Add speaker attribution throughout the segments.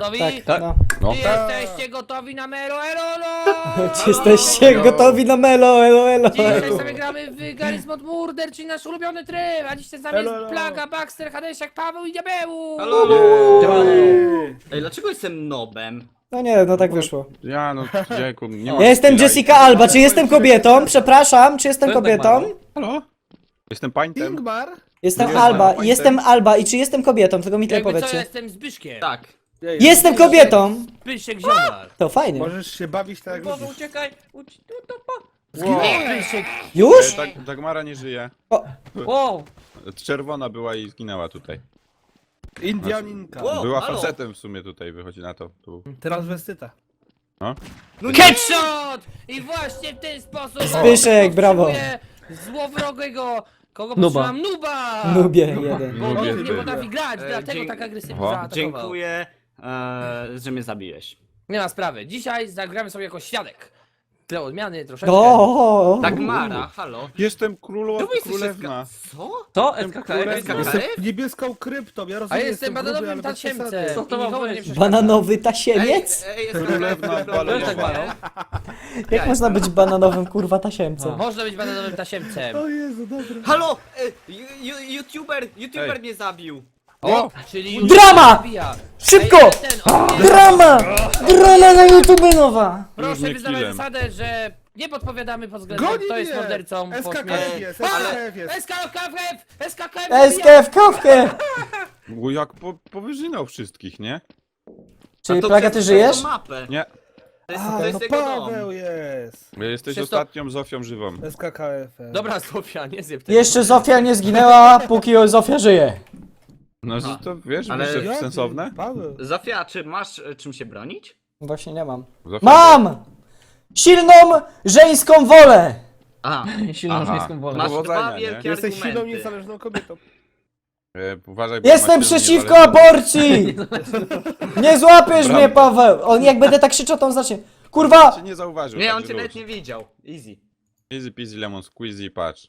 Speaker 1: Gotowi?
Speaker 2: Tak.
Speaker 3: No.
Speaker 1: Czy jesteście gotowi na Melo Elo?
Speaker 2: Czy jesteście gotowi na melo, elo, elo?
Speaker 1: Dzisiaj sobie gramy w Garry's Mod Murder, czyli nasz ulubiony tryb, a dzisiaj z nami jest Plaga, Baxter, Hadesiak, Paweł i Diabeł!
Speaker 4: Halo!
Speaker 2: Siemano.
Speaker 4: Ej, dlaczego jestem nobem?
Speaker 2: No nie, no tak wyszło.
Speaker 3: Ja no, jajku, nie ma
Speaker 2: Ja jestem
Speaker 3: chwila
Speaker 2: Jessica Alba, czy jestem kobietą? Przepraszam, czy jestem
Speaker 5: To jest
Speaker 2: kobietą?
Speaker 5: tak
Speaker 3: Halo? Jestem pańtem.
Speaker 6: Ingmar?
Speaker 2: Jestem
Speaker 3: Nie,
Speaker 2: Alba,
Speaker 3: no,
Speaker 2: jestem Alba i czy jestem kobietą? Tylko mi tyle
Speaker 1: Jakby co,
Speaker 2: powiedzcie.
Speaker 1: jestem Zbyszkiem.
Speaker 4: Tak.
Speaker 2: Jestem kobietą!
Speaker 1: Zbyszek Ziomar.
Speaker 2: To fajnie.
Speaker 6: Możesz się bawić tak jak
Speaker 5: Boże,
Speaker 6: lubisz.
Speaker 5: uciekaj!
Speaker 1: Zbyszek.
Speaker 2: Już?
Speaker 3: Dagmara nie żyje.
Speaker 5: Wow!
Speaker 3: Czerwona była i zginęła tutaj.
Speaker 6: Indianinka.
Speaker 4: Wow.
Speaker 3: Była
Speaker 4: halo.
Speaker 3: facetem w sumie tutaj, wychodzi na to. Tu.
Speaker 6: Transwestyta.
Speaker 1: Headshot! I właśnie w ten sposób...
Speaker 2: Zbyszek, brawo.
Speaker 1: Złowrogego... Kogo
Speaker 5: Nuba.
Speaker 1: potrzebam? Nuba!
Speaker 2: Nubie jeden.
Speaker 1: Bo
Speaker 3: Nubie
Speaker 1: Nub nie
Speaker 3: był.
Speaker 1: potrafi grać, dlatego
Speaker 4: dzięki-
Speaker 1: tak agresywnie
Speaker 3: O,
Speaker 1: zaatakował.
Speaker 4: Dziękuję, że mnie zabiłeś.
Speaker 1: Nie ma sprawy. Dzisiaj zagramy sobie jako świadek. Tyle odmiany troszeczkę.
Speaker 2: O,
Speaker 4: Dagmara, halo.
Speaker 3: Jestem
Speaker 4: Czemu jesteś
Speaker 3: królewna.
Speaker 4: Co?
Speaker 5: To? SKKF?
Speaker 4: SKKF?
Speaker 6: Niebieską kryptą, ja
Speaker 1: A
Speaker 6: rozumiem.
Speaker 1: jestem bananowym tasiemcem.
Speaker 5: Co to
Speaker 1: I
Speaker 5: ma
Speaker 1: nikomu
Speaker 5: być?
Speaker 1: nie przeszkadzam.
Speaker 2: bananowy tasiemiec?
Speaker 4: Ej,
Speaker 3: Królewna
Speaker 5: To jest tak
Speaker 3: balonowa.
Speaker 5: mają.
Speaker 2: Jak można być bananowym kurwa tasiemcem?
Speaker 1: Można być bananowym tasiemcem.
Speaker 6: O Jezu, dobra.
Speaker 4: Halo! YouTuber mnie zabił.
Speaker 1: O, czyli już
Speaker 2: Drama!
Speaker 1: zabija.
Speaker 2: Szybko!
Speaker 1: Ej, ale ten, o, nie.
Speaker 2: Drama! Drama na YouTube nowa!
Speaker 1: Proszę
Speaker 3: mnie
Speaker 1: wyznawać
Speaker 3: killem.
Speaker 1: zasadę, że nie podpowiadamy pod względem
Speaker 6: Goni
Speaker 1: kto jest
Speaker 6: mnie!
Speaker 1: mordercą po
Speaker 6: SKKF
Speaker 1: śmierci.
Speaker 6: jest,
Speaker 1: Ale
Speaker 6: SKKF jest.
Speaker 1: SKKF! SKKF!
Speaker 2: SKF kawkę!
Speaker 3: Bo jak powyżynał wszystkich, nie?
Speaker 2: Czyli
Speaker 4: A to
Speaker 2: Plaga,
Speaker 4: przez
Speaker 2: ty żyjesz?
Speaker 4: tą mapę.
Speaker 3: Nie.
Speaker 4: To jest,
Speaker 6: A,
Speaker 4: to
Speaker 6: no
Speaker 4: jest jego dom.
Speaker 6: Paweł jest.
Speaker 3: Bo jesteś
Speaker 1: Przez to-
Speaker 3: ostatnią Zofią żywą.
Speaker 6: SKKF.
Speaker 1: Dobra, Zofia, nie zjeb tego.
Speaker 2: Jeszcze Zofia nie zginęła, póki Zofia żyje.
Speaker 3: No że to wiesz,
Speaker 4: Ale-
Speaker 3: ale
Speaker 6: Jaki?
Speaker 3: sensowne?
Speaker 6: Paweł.
Speaker 4: Zofia, czy masz czym się bronić?
Speaker 2: Właśnie nie mam.
Speaker 3: Zofia
Speaker 2: Mam! Silną żeńską wolę!
Speaker 4: A,
Speaker 5: Silną
Speaker 3: Aha.
Speaker 5: żeńską wolę.
Speaker 4: masz
Speaker 3: Powodzenia,
Speaker 4: dwa
Speaker 3: nie?
Speaker 4: wielkie
Speaker 6: Jesteś silną,
Speaker 4: argumenty.
Speaker 6: niezależną kobietą.
Speaker 3: Uważaj, bo
Speaker 2: Jestem
Speaker 3: macie
Speaker 2: przeciwko
Speaker 3: niezależne-
Speaker 2: aborcji! Nie złapiesz
Speaker 3: Brawo.
Speaker 2: mnie, Paweł! On jak będę tak krzyczał, to on zacznie. Kurwa!
Speaker 3: Cię nie zauważył.
Speaker 4: Nie, on
Speaker 3: także
Speaker 4: cię
Speaker 3: luz.
Speaker 4: nawet nie widział. Easy.
Speaker 3: Easy peasy lemon squeezy, patrz.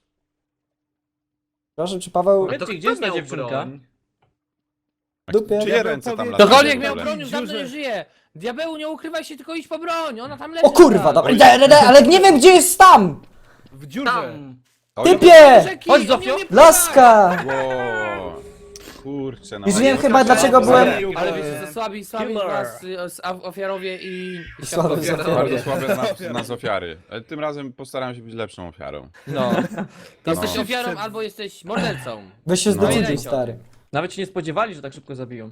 Speaker 2: Proszę, czy Paweł...
Speaker 5: Powiedz,
Speaker 4: To
Speaker 5: gdzie
Speaker 4: kto
Speaker 5: jest ta
Speaker 4: miał
Speaker 5: dziewczynka?
Speaker 4: broń?
Speaker 2: Dupie.
Speaker 3: Czyje
Speaker 6: Ja bym
Speaker 3: ręce tam
Speaker 6: powiedział-
Speaker 3: latają?
Speaker 1: Ktokolwiek
Speaker 3: w
Speaker 1: miał
Speaker 3: ogóle?
Speaker 1: broń, już dawno nie
Speaker 6: Dziurze.
Speaker 1: żyje. Diabeł, nie ukrywaj się, tylko idź po broń. Ona tam leży.
Speaker 2: O kurwa,
Speaker 1: zaraz.
Speaker 2: dobra, idę, ale nie wiem gdzie jest tam!
Speaker 6: W dziurze.
Speaker 4: Tam.
Speaker 3: Oj,
Speaker 2: Typie!
Speaker 1: Rzeki,
Speaker 5: Chodź,
Speaker 1: on
Speaker 5: Zofio.
Speaker 1: nie umie pływać.
Speaker 2: Laska!
Speaker 3: Wow. Kurczę, no.
Speaker 2: Już
Speaker 3: ale
Speaker 2: wiem
Speaker 3: to
Speaker 2: chyba
Speaker 3: tak
Speaker 2: dlaczego
Speaker 3: bardzo
Speaker 2: byłem...
Speaker 3: zabił,
Speaker 1: Ale
Speaker 3: bo-
Speaker 1: wiecie co, słabi
Speaker 6: Killer.
Speaker 1: was ofiarowie i
Speaker 2: Słabe
Speaker 1: świadkowie.
Speaker 2: ofiarowie.
Speaker 3: Bardzo słabe nas ofiary. Ale tym razem postaram się być lepszą ofiarą.
Speaker 1: No. Jesteś
Speaker 3: No.
Speaker 1: ofiarą albo jesteś mordercą.
Speaker 2: Weź się
Speaker 3: No.
Speaker 2: zdecyduj,
Speaker 1: Pamiętajcie o
Speaker 2: stary.
Speaker 5: Nawet się nie spodziewali, że tak szybko zabiją.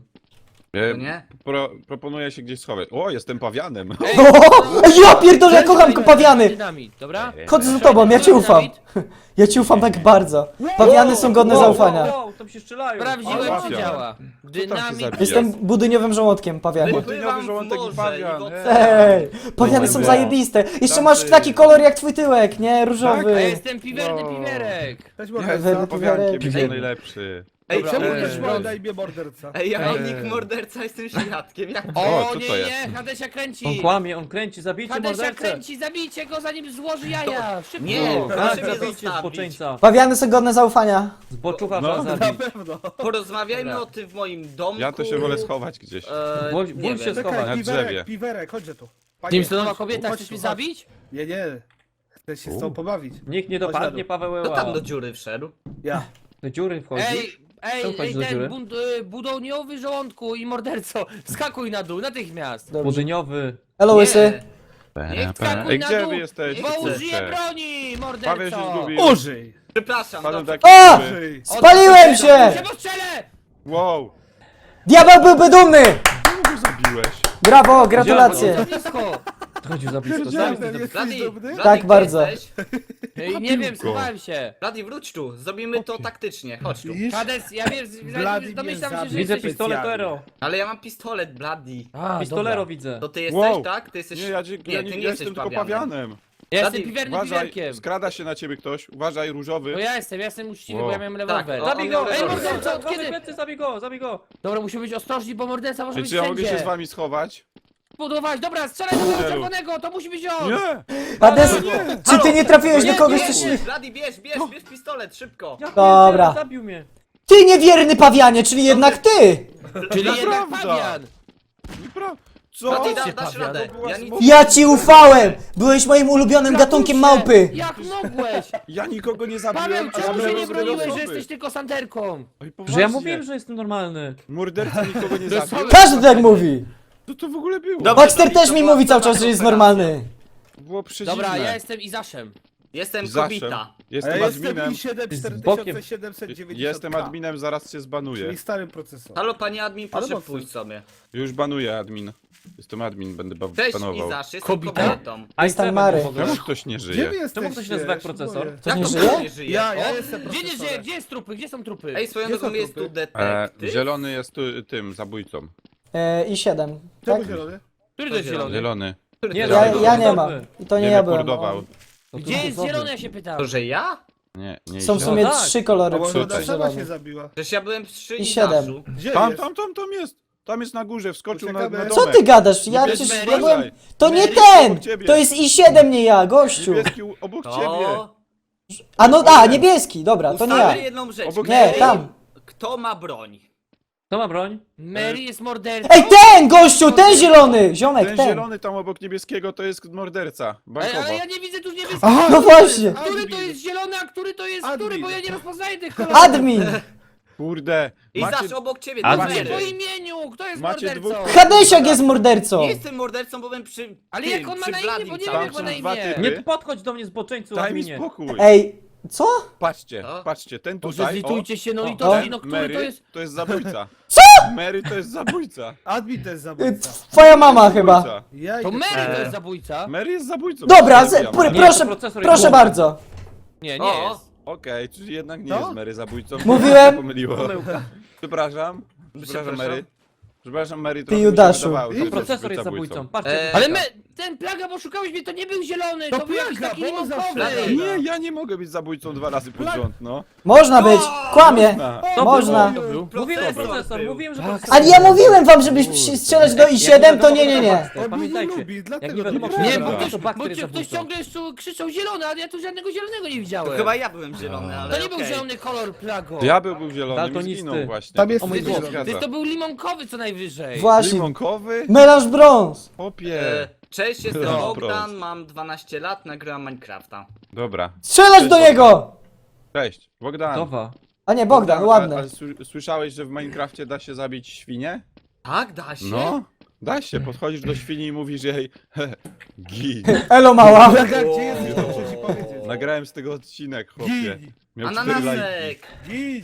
Speaker 4: To nie?
Speaker 3: Proponuję się gdzieś schować. O, jestem pawianem.
Speaker 1: Ej,
Speaker 2: O, ja pierdolę, ja kocham pawiany!
Speaker 1: Dynamit, dobra?
Speaker 2: Chodzę za tobą, ja ci ufam. Ja ci ufam tak bardzo. Pawiany są godne zaufania.
Speaker 5: Wow, tam się strzelają.
Speaker 1: Prawdziwe
Speaker 3: Ale
Speaker 1: ci
Speaker 3: mafia.
Speaker 1: działa. Dynamit.
Speaker 3: zabija?
Speaker 2: Jestem budyniowym żołądkiem, pawiany.
Speaker 4: Wypływam w
Speaker 3: żołądek i
Speaker 4: morze
Speaker 3: pawian,
Speaker 4: i w
Speaker 3: ej.
Speaker 4: oceanie.
Speaker 2: Ej, pawiany są
Speaker 3: Wow.
Speaker 2: zajebiste. Jeszcze
Speaker 3: Tam
Speaker 2: masz
Speaker 3: ty-
Speaker 2: taki kolor jak twój tyłek, nie?
Speaker 1: A
Speaker 2: Różowy.
Speaker 1: ja jestem piwerny
Speaker 3: Wow.
Speaker 1: piwerek.
Speaker 6: Cześć
Speaker 3: Ja
Speaker 6: morderca.
Speaker 3: jestem pawiankiem,
Speaker 2: Ej.
Speaker 3: jestem najlepszy.
Speaker 4: Ej,
Speaker 1: Dobra,
Speaker 6: Czemu
Speaker 4: czemu
Speaker 6: też
Speaker 4: też
Speaker 6: ma na imię morderca?
Speaker 4: Ej, ja mam
Speaker 3: Ej.
Speaker 4: nick morderca, jestem świadkiem. Jak
Speaker 1: O,
Speaker 3: co
Speaker 1: nie,
Speaker 3: to jest?
Speaker 1: nie, Hadesia kręci.
Speaker 5: On kłamie, on kręci, zabijcie
Speaker 1: Hadesia
Speaker 5: mordercę.
Speaker 1: kręci, zabijcie go zanim złoży jaja. Szybko.
Speaker 4: Nie.
Speaker 5: Tak,
Speaker 4: Proszę mnie
Speaker 5: zabijcie
Speaker 4: zostawić.
Speaker 5: zboczeńca.
Speaker 2: Pawiany są godne zaufania.
Speaker 5: Zboczucha
Speaker 3: No.
Speaker 5: trzeba
Speaker 6: Na
Speaker 5: zabić.
Speaker 6: pewno.
Speaker 4: Porozmawiajmy
Speaker 1: Dobra.
Speaker 4: o tym w moim domku.
Speaker 3: Ja to się wolę schować gdzieś.
Speaker 5: Ból
Speaker 4: Nie
Speaker 5: się
Speaker 4: wiem.
Speaker 5: schować.
Speaker 6: Czekaj,
Speaker 3: Na drzewie.
Speaker 6: piwerek, piwerek, chodźcie tu. Panie,
Speaker 1: Timstonowa
Speaker 6: chodź tu,
Speaker 1: kobieta,
Speaker 6: chodź
Speaker 1: chcesz
Speaker 6: tu,
Speaker 1: mnie
Speaker 6: chodź.
Speaker 1: zabić?
Speaker 6: Nie, nie. Chcę się z tobą pobawić.
Speaker 5: Nikt nie
Speaker 6: Chodź na
Speaker 5: dopadnie
Speaker 6: dół.
Speaker 5: Paweł
Speaker 4: Kto
Speaker 5: Eła.
Speaker 4: tam do dziury wszedł?
Speaker 6: Ja.
Speaker 5: Do dziury wchodzi. Czemu wchodzisz do
Speaker 1: ten
Speaker 5: dziury?
Speaker 1: budowniowy żołądku i morderco, skakuj na dół, natychmiast.
Speaker 2: Dobrze.
Speaker 5: Budyniowy.
Speaker 2: Elo, łysy.
Speaker 4: Nie wskakuj
Speaker 3: Ej,
Speaker 1: na
Speaker 3: gdzie
Speaker 1: dół,
Speaker 3: wy jesteście?
Speaker 1: Bo użyję
Speaker 3: kurczę?
Speaker 1: broni,
Speaker 3: Paweł się
Speaker 1: morderco.
Speaker 3: zgubił.
Speaker 6: Użyj!
Speaker 4: Przepraszam,
Speaker 3: Padłem
Speaker 4: dobrze.
Speaker 3: taki
Speaker 2: O!
Speaker 3: zły.
Speaker 6: Użyj!
Speaker 2: Spaliłem się!
Speaker 1: Się postrzelę!
Speaker 3: Wow!
Speaker 2: Diabeł byłby dumny!
Speaker 3: Czemu go zabiłeś?
Speaker 2: Brawo, gratulacje.
Speaker 1: Za blisko.
Speaker 5: Chodził za blisko.
Speaker 6: Pierdzielę,
Speaker 5: Zabij.
Speaker 6: jesteś
Speaker 4: Bladi,
Speaker 6: dumny?
Speaker 4: Bladi,
Speaker 2: Tak,
Speaker 4: gdzie
Speaker 2: bardzo.
Speaker 4: jesteś?
Speaker 1: Ej, nie wiem, schowałem się.
Speaker 4: Bladi, wróć tu, zrobimy to taktycznie, chodź tu.
Speaker 6: Widzisz?
Speaker 1: Hades, ja wiem,
Speaker 6: Blady
Speaker 1: domyślam
Speaker 6: mnie
Speaker 1: się, że
Speaker 5: Widzę
Speaker 1: jesteś...
Speaker 5: pistoletero.
Speaker 4: Ale ja mam pistolet, Bladi.
Speaker 1: A,
Speaker 5: Pistolero
Speaker 1: dobra.
Speaker 5: widzę.
Speaker 4: To ty jesteś,
Speaker 3: Wow.
Speaker 4: tak? Ty jesteś...
Speaker 3: Nie, ja
Speaker 4: ty
Speaker 3: nie
Speaker 4: nie jesteś
Speaker 3: jestem tylko pawianem.
Speaker 1: Ja jestem
Speaker 4: Blady,
Speaker 1: piwernym
Speaker 3: Uważaj,
Speaker 1: piwerkiem.
Speaker 3: skrada się na ciebie ktoś. Uważaj, różowy.
Speaker 1: To ja jestem uczciwy,
Speaker 3: Wow.
Speaker 1: bo ja miałem
Speaker 4: Tak,
Speaker 1: rewolwer.
Speaker 4: o,
Speaker 5: Zabij go!
Speaker 4: Ej,
Speaker 5: Ej,
Speaker 4: morderco,
Speaker 5: morderca!
Speaker 1: od kiedy?
Speaker 5: Kiedy? Plecy, zabij go, zabij go!
Speaker 1: Dobra, musimy być ostrożni, bo morderca może
Speaker 3: Ej,
Speaker 1: być
Speaker 3: czy ja mogę się z
Speaker 1: wszędzie.
Speaker 3: wami schować?
Speaker 1: Budować, dobra, strzelaj do tego czerwonego, to musi być on!
Speaker 3: Nie!
Speaker 2: Hades, czy ty nie trafiłeś do kogoś,
Speaker 1: nie,
Speaker 2: coś...
Speaker 1: nie.
Speaker 4: Bladi, bierz pistolet, szybko.
Speaker 5: Ja
Speaker 2: Dobra.
Speaker 5: pierdzielę, zabił mnie.
Speaker 2: Ty niewierny pawianie, czyli jednak ty!
Speaker 1: Czyli jednak
Speaker 3: Prawda.
Speaker 1: Fabian!
Speaker 3: Dobra. Co?
Speaker 4: Bladi,
Speaker 1: Patrzcie,
Speaker 4: dasz
Speaker 1: Paweł,
Speaker 4: radę.
Speaker 3: to była
Speaker 4: Ja nic...
Speaker 2: Ja ci ufałem! Byłeś moim ulubionym gatunkiem małpy!
Speaker 1: Jak mogłeś?
Speaker 3: Ja nikogo nie
Speaker 1: Paweł,
Speaker 3: zabiłem, a
Speaker 1: czemu się
Speaker 3: zabiłem
Speaker 1: nie
Speaker 3: złe
Speaker 1: broniłeś, że
Speaker 3: osoby.
Speaker 1: jesteś tylko santerką?
Speaker 3: Oj,
Speaker 5: Że
Speaker 3: poważnie.
Speaker 5: ja mówiłem, że jestem normalny.
Speaker 3: Morderca nikogo nie
Speaker 1: To
Speaker 3: zabił.
Speaker 2: Każdy tak mówi!
Speaker 3: Co to w ogóle było?
Speaker 4: Dobra.
Speaker 2: Baxter też mi mówi cały czas, że jest normalny.
Speaker 3: Było przedziwne.
Speaker 1: Dobra, ja jestem Izaszem.
Speaker 4: Jestem
Speaker 3: Zawsze.
Speaker 4: kobita.
Speaker 6: A
Speaker 3: Jestem
Speaker 6: ja jestem
Speaker 3: adminem.
Speaker 6: i7
Speaker 5: bokiem.
Speaker 6: 4790.
Speaker 3: Jestem adminem, zaraz cię zbanuję.
Speaker 6: Czyli starym procesorem.
Speaker 4: Halo, panie admin,
Speaker 6: Ale
Speaker 4: proszę
Speaker 6: mocno.
Speaker 4: pójść sobie.
Speaker 3: Już banuję admin. Jestem admin, będę
Speaker 4: Cześć,
Speaker 3: banował.
Speaker 4: Izasz, jestem
Speaker 1: Kobita?
Speaker 4: kobietą.
Speaker 5: A
Speaker 2: Jest tam Mary.
Speaker 3: Czemu ktoś nie
Speaker 6: Gdzie
Speaker 3: żyje?
Speaker 6: wy jesteście?
Speaker 5: ktoś się nazywa jak
Speaker 6: Ja się
Speaker 5: procesor?
Speaker 6: boję.
Speaker 2: To nie
Speaker 4: Jak to
Speaker 2: żyje?
Speaker 4: ktoś nie żyje?
Speaker 6: Ja
Speaker 4: O,
Speaker 6: jestem
Speaker 1: Gdzie nie żyje?
Speaker 6: procesorem.
Speaker 1: Gdzie jest trupy? Gdzie są trupy?
Speaker 4: Ej, swoją
Speaker 6: Gdzie
Speaker 4: drogą
Speaker 6: są
Speaker 4: jest tu
Speaker 6: trupy?
Speaker 4: detektyw.
Speaker 3: Zielony jest tym zabójcą.
Speaker 2: I 7.
Speaker 6: Czemu
Speaker 2: Tak?
Speaker 6: zielony?
Speaker 1: Który to jest zielony?
Speaker 3: Zielony.
Speaker 5: Nie,
Speaker 2: Ja,
Speaker 5: Zielony.
Speaker 2: ja nie mam.
Speaker 5: Dobry.
Speaker 2: I to nie
Speaker 3: Nie
Speaker 2: ja byłem.
Speaker 3: reportował.
Speaker 1: Gdzie jest zielony, ja się pytam?
Speaker 4: To, że ja?
Speaker 3: Nie, nie
Speaker 2: Są w
Speaker 3: źle.
Speaker 2: sumie
Speaker 5: No tak.
Speaker 2: 3 kolory
Speaker 6: A może
Speaker 2: przy
Speaker 3: Tutaj.
Speaker 6: Darszewa się
Speaker 2: zielonym.
Speaker 6: zabiła?
Speaker 4: Przecież ja byłem przy
Speaker 2: I 7.
Speaker 4: Izaszu.
Speaker 6: Gdzie
Speaker 3: Tam
Speaker 6: jest?
Speaker 3: Tam jest na górze, wskoczył na
Speaker 6: Uciekamy.
Speaker 3: domek.
Speaker 2: Co ty gadasz? Ja
Speaker 3: Niebieski
Speaker 2: przecież
Speaker 3: Mary.
Speaker 2: ja byłem... To nie
Speaker 3: Mary,
Speaker 2: ten!
Speaker 3: obok ciebie.
Speaker 2: To jest I7, nie ja, gościu!
Speaker 3: Niebieski obok ciebie.
Speaker 4: To...
Speaker 2: Niebieski, dobra, to nie ja.
Speaker 4: Ustalmy jedną rzecz.
Speaker 3: Obok
Speaker 2: Nie,
Speaker 4: Mary,
Speaker 2: tam.
Speaker 4: Kto ma broń?
Speaker 5: Kto ma broń?
Speaker 1: Mary jest mordercą.
Speaker 2: Ej, ten gościu, ten zielony! Ziomek,
Speaker 3: Ten
Speaker 2: ten!
Speaker 3: zielony tam obok niebieskiego to jest morderca.
Speaker 1: Ej,
Speaker 3: Bankowo.
Speaker 1: ale ja nie widzę tu niebieskiego.
Speaker 6: Aha,
Speaker 2: No właśnie!
Speaker 1: Który to jest zielony, a który to jest
Speaker 6: Admin.
Speaker 1: który? Bo ja nie rozpoznaję tych kolorów.
Speaker 2: Admin!
Speaker 3: Kurde.
Speaker 4: Izasz obok ciebie,
Speaker 5: A
Speaker 4: to
Speaker 1: Macie
Speaker 4: Mary.
Speaker 1: po imieniu, kto jest
Speaker 3: Macie
Speaker 1: mordercą?
Speaker 3: dwóch-
Speaker 2: Hadesiak jest mordercą!
Speaker 4: Nie jestem mordercą, bo byłem przy
Speaker 1: Ale
Speaker 4: tym,
Speaker 1: jak on ma
Speaker 4: przy
Speaker 1: na imię,
Speaker 4: Bladim
Speaker 1: bo nie
Speaker 4: cały
Speaker 1: wiem, jak ma
Speaker 3: Tam
Speaker 1: na
Speaker 3: są dwa
Speaker 1: imię.
Speaker 3: typy.
Speaker 5: Nie podchodź do mnie zboczeńcu,
Speaker 3: Daj mi
Speaker 5: adminie.
Speaker 3: spokój.
Speaker 2: Ej, co?
Speaker 3: Patrzcie,
Speaker 4: Co?
Speaker 3: patrzcie, ten
Speaker 1: Boże,
Speaker 3: tutaj,
Speaker 1: zlitujcie się, no
Speaker 3: o,
Speaker 1: litości,
Speaker 3: ten
Speaker 1: no który
Speaker 3: Mary,
Speaker 1: to jest...
Speaker 3: zabójca.
Speaker 2: Co?
Speaker 3: Mary to jest zabójca.
Speaker 6: Admin to jest zabójca.
Speaker 2: Twoja mama chyba.
Speaker 3: Zabójca.
Speaker 6: Ja
Speaker 1: To
Speaker 6: idę.
Speaker 1: Mary to jest zabójca?
Speaker 3: Mary jest zabójcą.
Speaker 2: Dobra,
Speaker 3: Zabijam.
Speaker 5: Nie,
Speaker 2: proszę,
Speaker 5: to procesor
Speaker 2: proszę
Speaker 5: jest
Speaker 2: bardzo.
Speaker 1: Nie,
Speaker 4: O,
Speaker 1: nie jest.
Speaker 3: Okej, czyli jednak nie
Speaker 6: No?
Speaker 3: jest Mary zabójcą.
Speaker 2: Mówiłem.
Speaker 3: Się pomyliło. Przepraszam. Przepraszam Mary. Przepraszam Mary, trochę mi się
Speaker 2: Judaszu.
Speaker 3: wydawało, że
Speaker 6: To
Speaker 3: jest
Speaker 5: Procesor jest zabójcą. Patrzcie.
Speaker 1: Ale ten plaga, bo szukałeś mnie, to nie był zielony, to,
Speaker 6: To
Speaker 1: był jakiś
Speaker 6: plaga,
Speaker 1: taki
Speaker 6: bo on
Speaker 1: limonkowy.
Speaker 6: zawsze-
Speaker 3: Nie, ja nie mogę być zabójcą 2 razy pod rząd, no.
Speaker 2: Można być, kłamie.
Speaker 3: Na.
Speaker 2: Można.
Speaker 5: Mówiłem
Speaker 4: Procesor
Speaker 5: procesor,
Speaker 4: był.
Speaker 5: mówiłem, że procesor.
Speaker 2: Ale ja mówiłem wam, żeby strzelać do I7, to nie, nie, nie.
Speaker 5: Baxter,
Speaker 6: On mnie nie
Speaker 5: Pamiętajcie.
Speaker 6: lubi, dlatego
Speaker 5: Jak nie wiadomo,
Speaker 6: to
Speaker 5: kto
Speaker 1: Nie,
Speaker 5: jest
Speaker 1: bo
Speaker 3: Dobra.
Speaker 1: ktoś,
Speaker 5: to Baxter
Speaker 1: bo
Speaker 5: jest
Speaker 1: ktoś
Speaker 5: zabójcą.
Speaker 1: ciągle krzyczał zielony, ale ja tu żadnego zielonego nie
Speaker 4: To
Speaker 1: widziałem.
Speaker 4: chyba ja byłem zielony, ale
Speaker 1: To nie był
Speaker 4: okej.
Speaker 1: zielony kolor, plago.
Speaker 3: Diabeł był zielony i
Speaker 5: Daltonisty.
Speaker 3: zginął właśnie.
Speaker 6: Tam jest
Speaker 3: To się
Speaker 6: mój
Speaker 3: nie
Speaker 6: Boże.
Speaker 3: zgadza.
Speaker 1: To był limonkowy co najwyżej.
Speaker 2: Właśnie.
Speaker 3: Limonkowy?
Speaker 2: Melanż brąz.
Speaker 3: Popie.
Speaker 4: Cześć, jestem
Speaker 3: No,
Speaker 4: Bogdan,
Speaker 3: prost.
Speaker 4: mam 12 lat, nagrywam Minecrafta.
Speaker 3: Dobra.
Speaker 2: Strzelać do niego!
Speaker 3: Cześć, Bogdan.
Speaker 5: Dowa.
Speaker 2: A nie, Bogdan,
Speaker 3: A
Speaker 2: ładne.
Speaker 3: słyszałeś, że w Minecrafcie da się zabić świnię?
Speaker 4: Tak, da się?
Speaker 3: No. Da się, podchodzisz do świni i mówisz jej gin.
Speaker 2: Elo mała.
Speaker 6: Plaga, gdzie jesteś, to muszę ci powiedzieć.
Speaker 3: Nagrałem z tego odcinek, chłopie.
Speaker 6: Gin,
Speaker 3: Miał 4 lajki.
Speaker 4: Ananasek!
Speaker 6: gin.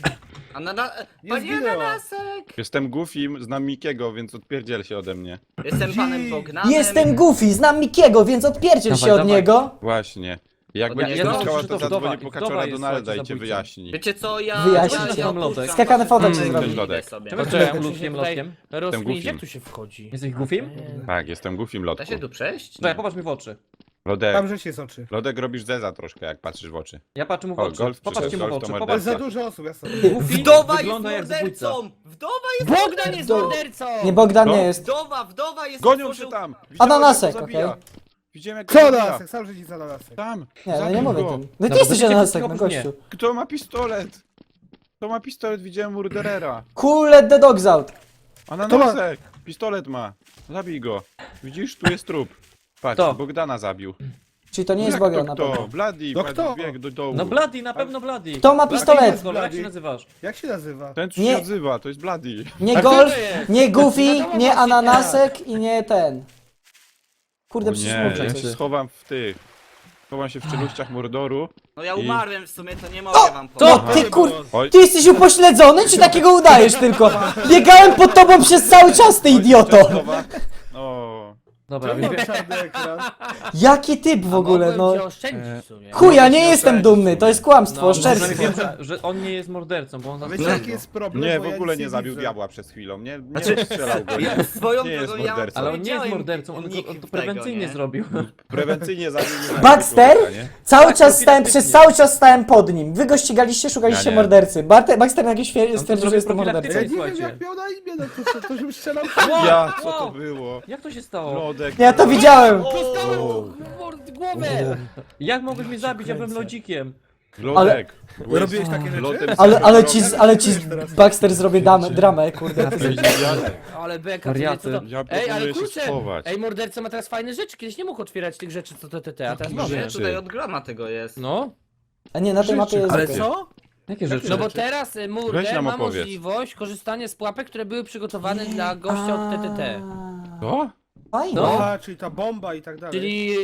Speaker 4: Panie
Speaker 6: zginęła.
Speaker 4: Ananasek!
Speaker 3: Jestem Goofim, znam Mikiego, więc odpierdziel się ode mnie.
Speaker 4: Jestem panem Bogdanem.
Speaker 2: Jestem Goofy, znam Mikiego, więc odpierdziel
Speaker 5: Dawaj,
Speaker 2: się od
Speaker 5: dawaj.
Speaker 2: niego.
Speaker 3: Właśnie. Jak
Speaker 4: Ja-
Speaker 3: będziesz
Speaker 4: ja
Speaker 3: ja,
Speaker 4: myślę,
Speaker 3: skała,
Speaker 5: że
Speaker 3: to
Speaker 5: to
Speaker 3: zadzwonię
Speaker 5: wdowa-
Speaker 3: po
Speaker 5: wdowa
Speaker 3: kaczora
Speaker 5: jest,
Speaker 3: Donalda i
Speaker 5: słuchajcie,
Speaker 3: cię
Speaker 5: zabójcą.
Speaker 3: wyjaśni.
Speaker 4: Wiecie co, ja...
Speaker 2: Wyjaśnij.
Speaker 4: ja, ja opuszczam
Speaker 2: Skakany
Speaker 4: waszą
Speaker 2: fodek
Speaker 4: stronę
Speaker 2: się
Speaker 4: i
Speaker 2: zrobi.
Speaker 4: idę
Speaker 3: Lodek.
Speaker 4: sobie.
Speaker 5: Czemu
Speaker 1: Poczekaj,
Speaker 5: jesteś
Speaker 1: muszę
Speaker 5: lutkiem,
Speaker 1: się tutaj
Speaker 5: lotkiem?
Speaker 1: rozkminić,
Speaker 3: Goofim.
Speaker 1: jak tu się wchodzi.
Speaker 5: Jesteś goofim?
Speaker 3: Tak, jestem Goofim,
Speaker 4: Da
Speaker 3: Lodku.
Speaker 4: się tu przejść?
Speaker 5: Słuchaj, popatrz mi w oczy.
Speaker 3: Lodek,
Speaker 6: Tam żeś jest oczy.
Speaker 3: Lodek robisz zeza troszkę, jak patrzysz w oczy.
Speaker 5: Ja patrzę mu w
Speaker 3: O,
Speaker 5: oczy.
Speaker 3: golf
Speaker 5: Popatrzcie
Speaker 3: przyszedł,
Speaker 5: mu w
Speaker 3: golf to
Speaker 5: oczy.
Speaker 6: To
Speaker 3: morderca.
Speaker 6: jest
Speaker 5: Popatrz.
Speaker 6: za dużo osób, ja sobie.
Speaker 5: Goofy
Speaker 4: Wdowa jest
Speaker 5: wygląda jak zabójca.
Speaker 4: mordercą! Wdowa jest
Speaker 1: Bogdan jest
Speaker 2: Do-
Speaker 1: mordercą!
Speaker 2: Nie, Bogdan
Speaker 3: No.
Speaker 2: nie jest.
Speaker 4: Wdowa jest...
Speaker 3: Gonią
Speaker 4: otworzył-
Speaker 3: się tam!
Speaker 2: Ananasek,
Speaker 3: jak go zabija.
Speaker 2: okej.
Speaker 3: Widziałem jak go
Speaker 6: Co
Speaker 3: zabija.
Speaker 6: ananasek? Sam że nic ananasek.
Speaker 3: Tam!
Speaker 2: Nie, no
Speaker 3: Zabił
Speaker 2: nie mówię
Speaker 3: go.
Speaker 2: tym. No ty
Speaker 5: Dobra,
Speaker 2: jesteś
Speaker 5: będziecie
Speaker 2: ananasek, no
Speaker 5: oprócz mnie.
Speaker 2: gościu.
Speaker 3: Kto ma pistolet? Kto ma pistolet? Widziałem murderera.
Speaker 2: Cool, let the dogs out.
Speaker 3: Ananasek! Pistolet ma. Zabij go. Widzisz? Tu jest trup. Patrz,
Speaker 5: Kto?
Speaker 3: Bogdana zabił.
Speaker 2: Czyli to nie jest
Speaker 3: Jak
Speaker 2: Bogdan
Speaker 3: to
Speaker 2: na
Speaker 3: kto?
Speaker 2: pewno.
Speaker 3: Bloody,
Speaker 6: No
Speaker 3: patrz,
Speaker 6: kto?
Speaker 3: bieg do dołu.
Speaker 5: No Bloody, na pewno Bloody.
Speaker 2: Kto ma pistolet?
Speaker 5: Dobra, jak się nazywasz?
Speaker 6: Jak się nazywa?
Speaker 3: Ten co
Speaker 2: Nie.
Speaker 3: się odzywa, to jest Bloody.
Speaker 2: Nie
Speaker 1: A kto
Speaker 2: Golf,
Speaker 1: to jest?
Speaker 2: nie Goofy,
Speaker 1: Wiadomo,
Speaker 2: nie
Speaker 1: właśnie
Speaker 2: Ananasek i nie ten. Kurde,
Speaker 3: O
Speaker 2: przecież
Speaker 3: nie,
Speaker 2: muszę
Speaker 3: ja
Speaker 2: coś.
Speaker 3: się schowam w tych. Schowam się w czeluściach Mordoru.
Speaker 4: No ja
Speaker 3: I-
Speaker 4: umarłem w sumie, to nie mogę wam
Speaker 2: No
Speaker 4: powiedzieć.
Speaker 2: ty kur...
Speaker 3: Oj,
Speaker 2: Ty jesteś upośledzony, czy takiego udajesz tylko? Biegałem pod tobą przez cały czas, ty idioto!
Speaker 3: Chowa. O.
Speaker 5: Dobra,
Speaker 6: Czemu mam czarny ekran?
Speaker 2: Jaki typ w ogóle,
Speaker 1: Mogłem
Speaker 2: no.
Speaker 1: cię oszczędzić w sumie.
Speaker 2: Chuja, nie jestem dumny, to jest kłamstwo,
Speaker 1: No,
Speaker 2: oszczerstwo.
Speaker 5: wiem, że on nie jest mordercą, bo on
Speaker 6: A
Speaker 5: nas
Speaker 6: wiecie jaki jest problem?
Speaker 3: Nie,
Speaker 6: Bo
Speaker 3: w
Speaker 6: ja
Speaker 3: ogóle
Speaker 6: nic
Speaker 3: nie zabił
Speaker 6: widzę.
Speaker 3: diabła przez chwilę. Nie
Speaker 4: Znaczy,
Speaker 3: strzelał go.
Speaker 4: Ja swoją
Speaker 3: Nie jest
Speaker 4: drogą ja
Speaker 3: mordercą.
Speaker 5: Ale on nie jest
Speaker 4: powiedziałem
Speaker 5: mordercą, on
Speaker 4: nick
Speaker 5: to
Speaker 4: tego,
Speaker 5: prewencyjnie
Speaker 4: nie?
Speaker 5: zrobił.
Speaker 3: Prewencyjnie zabił. nie
Speaker 2: Baxter?
Speaker 3: człowieka, nie?
Speaker 2: Cały
Speaker 5: Tak,
Speaker 2: czas stałem,
Speaker 5: profilaktycznie.
Speaker 2: przez cały czas stałem pod nim. Wy go ścigaliście, szukaliście
Speaker 3: Ja nie.
Speaker 2: mordercy. Baxter nagle stwierdził, że jestem
Speaker 5: profilaktycznie.
Speaker 2: mordercą.
Speaker 6: Ja nie wiem
Speaker 5: Słuchajcie.
Speaker 6: jak miał na imię, no to żebym strzelał.
Speaker 3: Ja, co to było?
Speaker 5: Jak to się stało?
Speaker 3: Lodek.
Speaker 2: Ja to widziałem.
Speaker 1: Dostałem głowę!
Speaker 5: Jak mogłeś mnie zabić? Ja byłem lodzikiem.
Speaker 3: Glodek.
Speaker 6: Robiłeś takie rzeczy?
Speaker 3: Lotem
Speaker 2: Ale ci Baxter zrobię dramę, kurde.
Speaker 1: Ale beka,
Speaker 5: Wariaty.
Speaker 1: co to?
Speaker 3: Ja
Speaker 1: Ej, ale
Speaker 3: proponuję się
Speaker 1: kurczę,
Speaker 3: schować.
Speaker 1: ej, morderca ma teraz fajne rzeczy, kiedyś nie mógł otwierać tych rzeczy, co TTT, a teraz może.
Speaker 4: Nie, tutaj od grama tego jest.
Speaker 1: No,
Speaker 2: A nie, na tej mapie jest
Speaker 6: Ale
Speaker 2: okej.
Speaker 6: co?
Speaker 5: Jakie rzeczy?
Speaker 1: no bo teraz
Speaker 3: Weź
Speaker 1: Murder
Speaker 3: nam
Speaker 1: ma
Speaker 3: opowiedz.
Speaker 1: możliwość korzystania z pułapek, które były przygotowane dla gościa od TTT.
Speaker 3: Co?
Speaker 2: Fajnie.
Speaker 1: No.
Speaker 6: Aha, czyli ta bomba i tak dalej.
Speaker 1: Czyli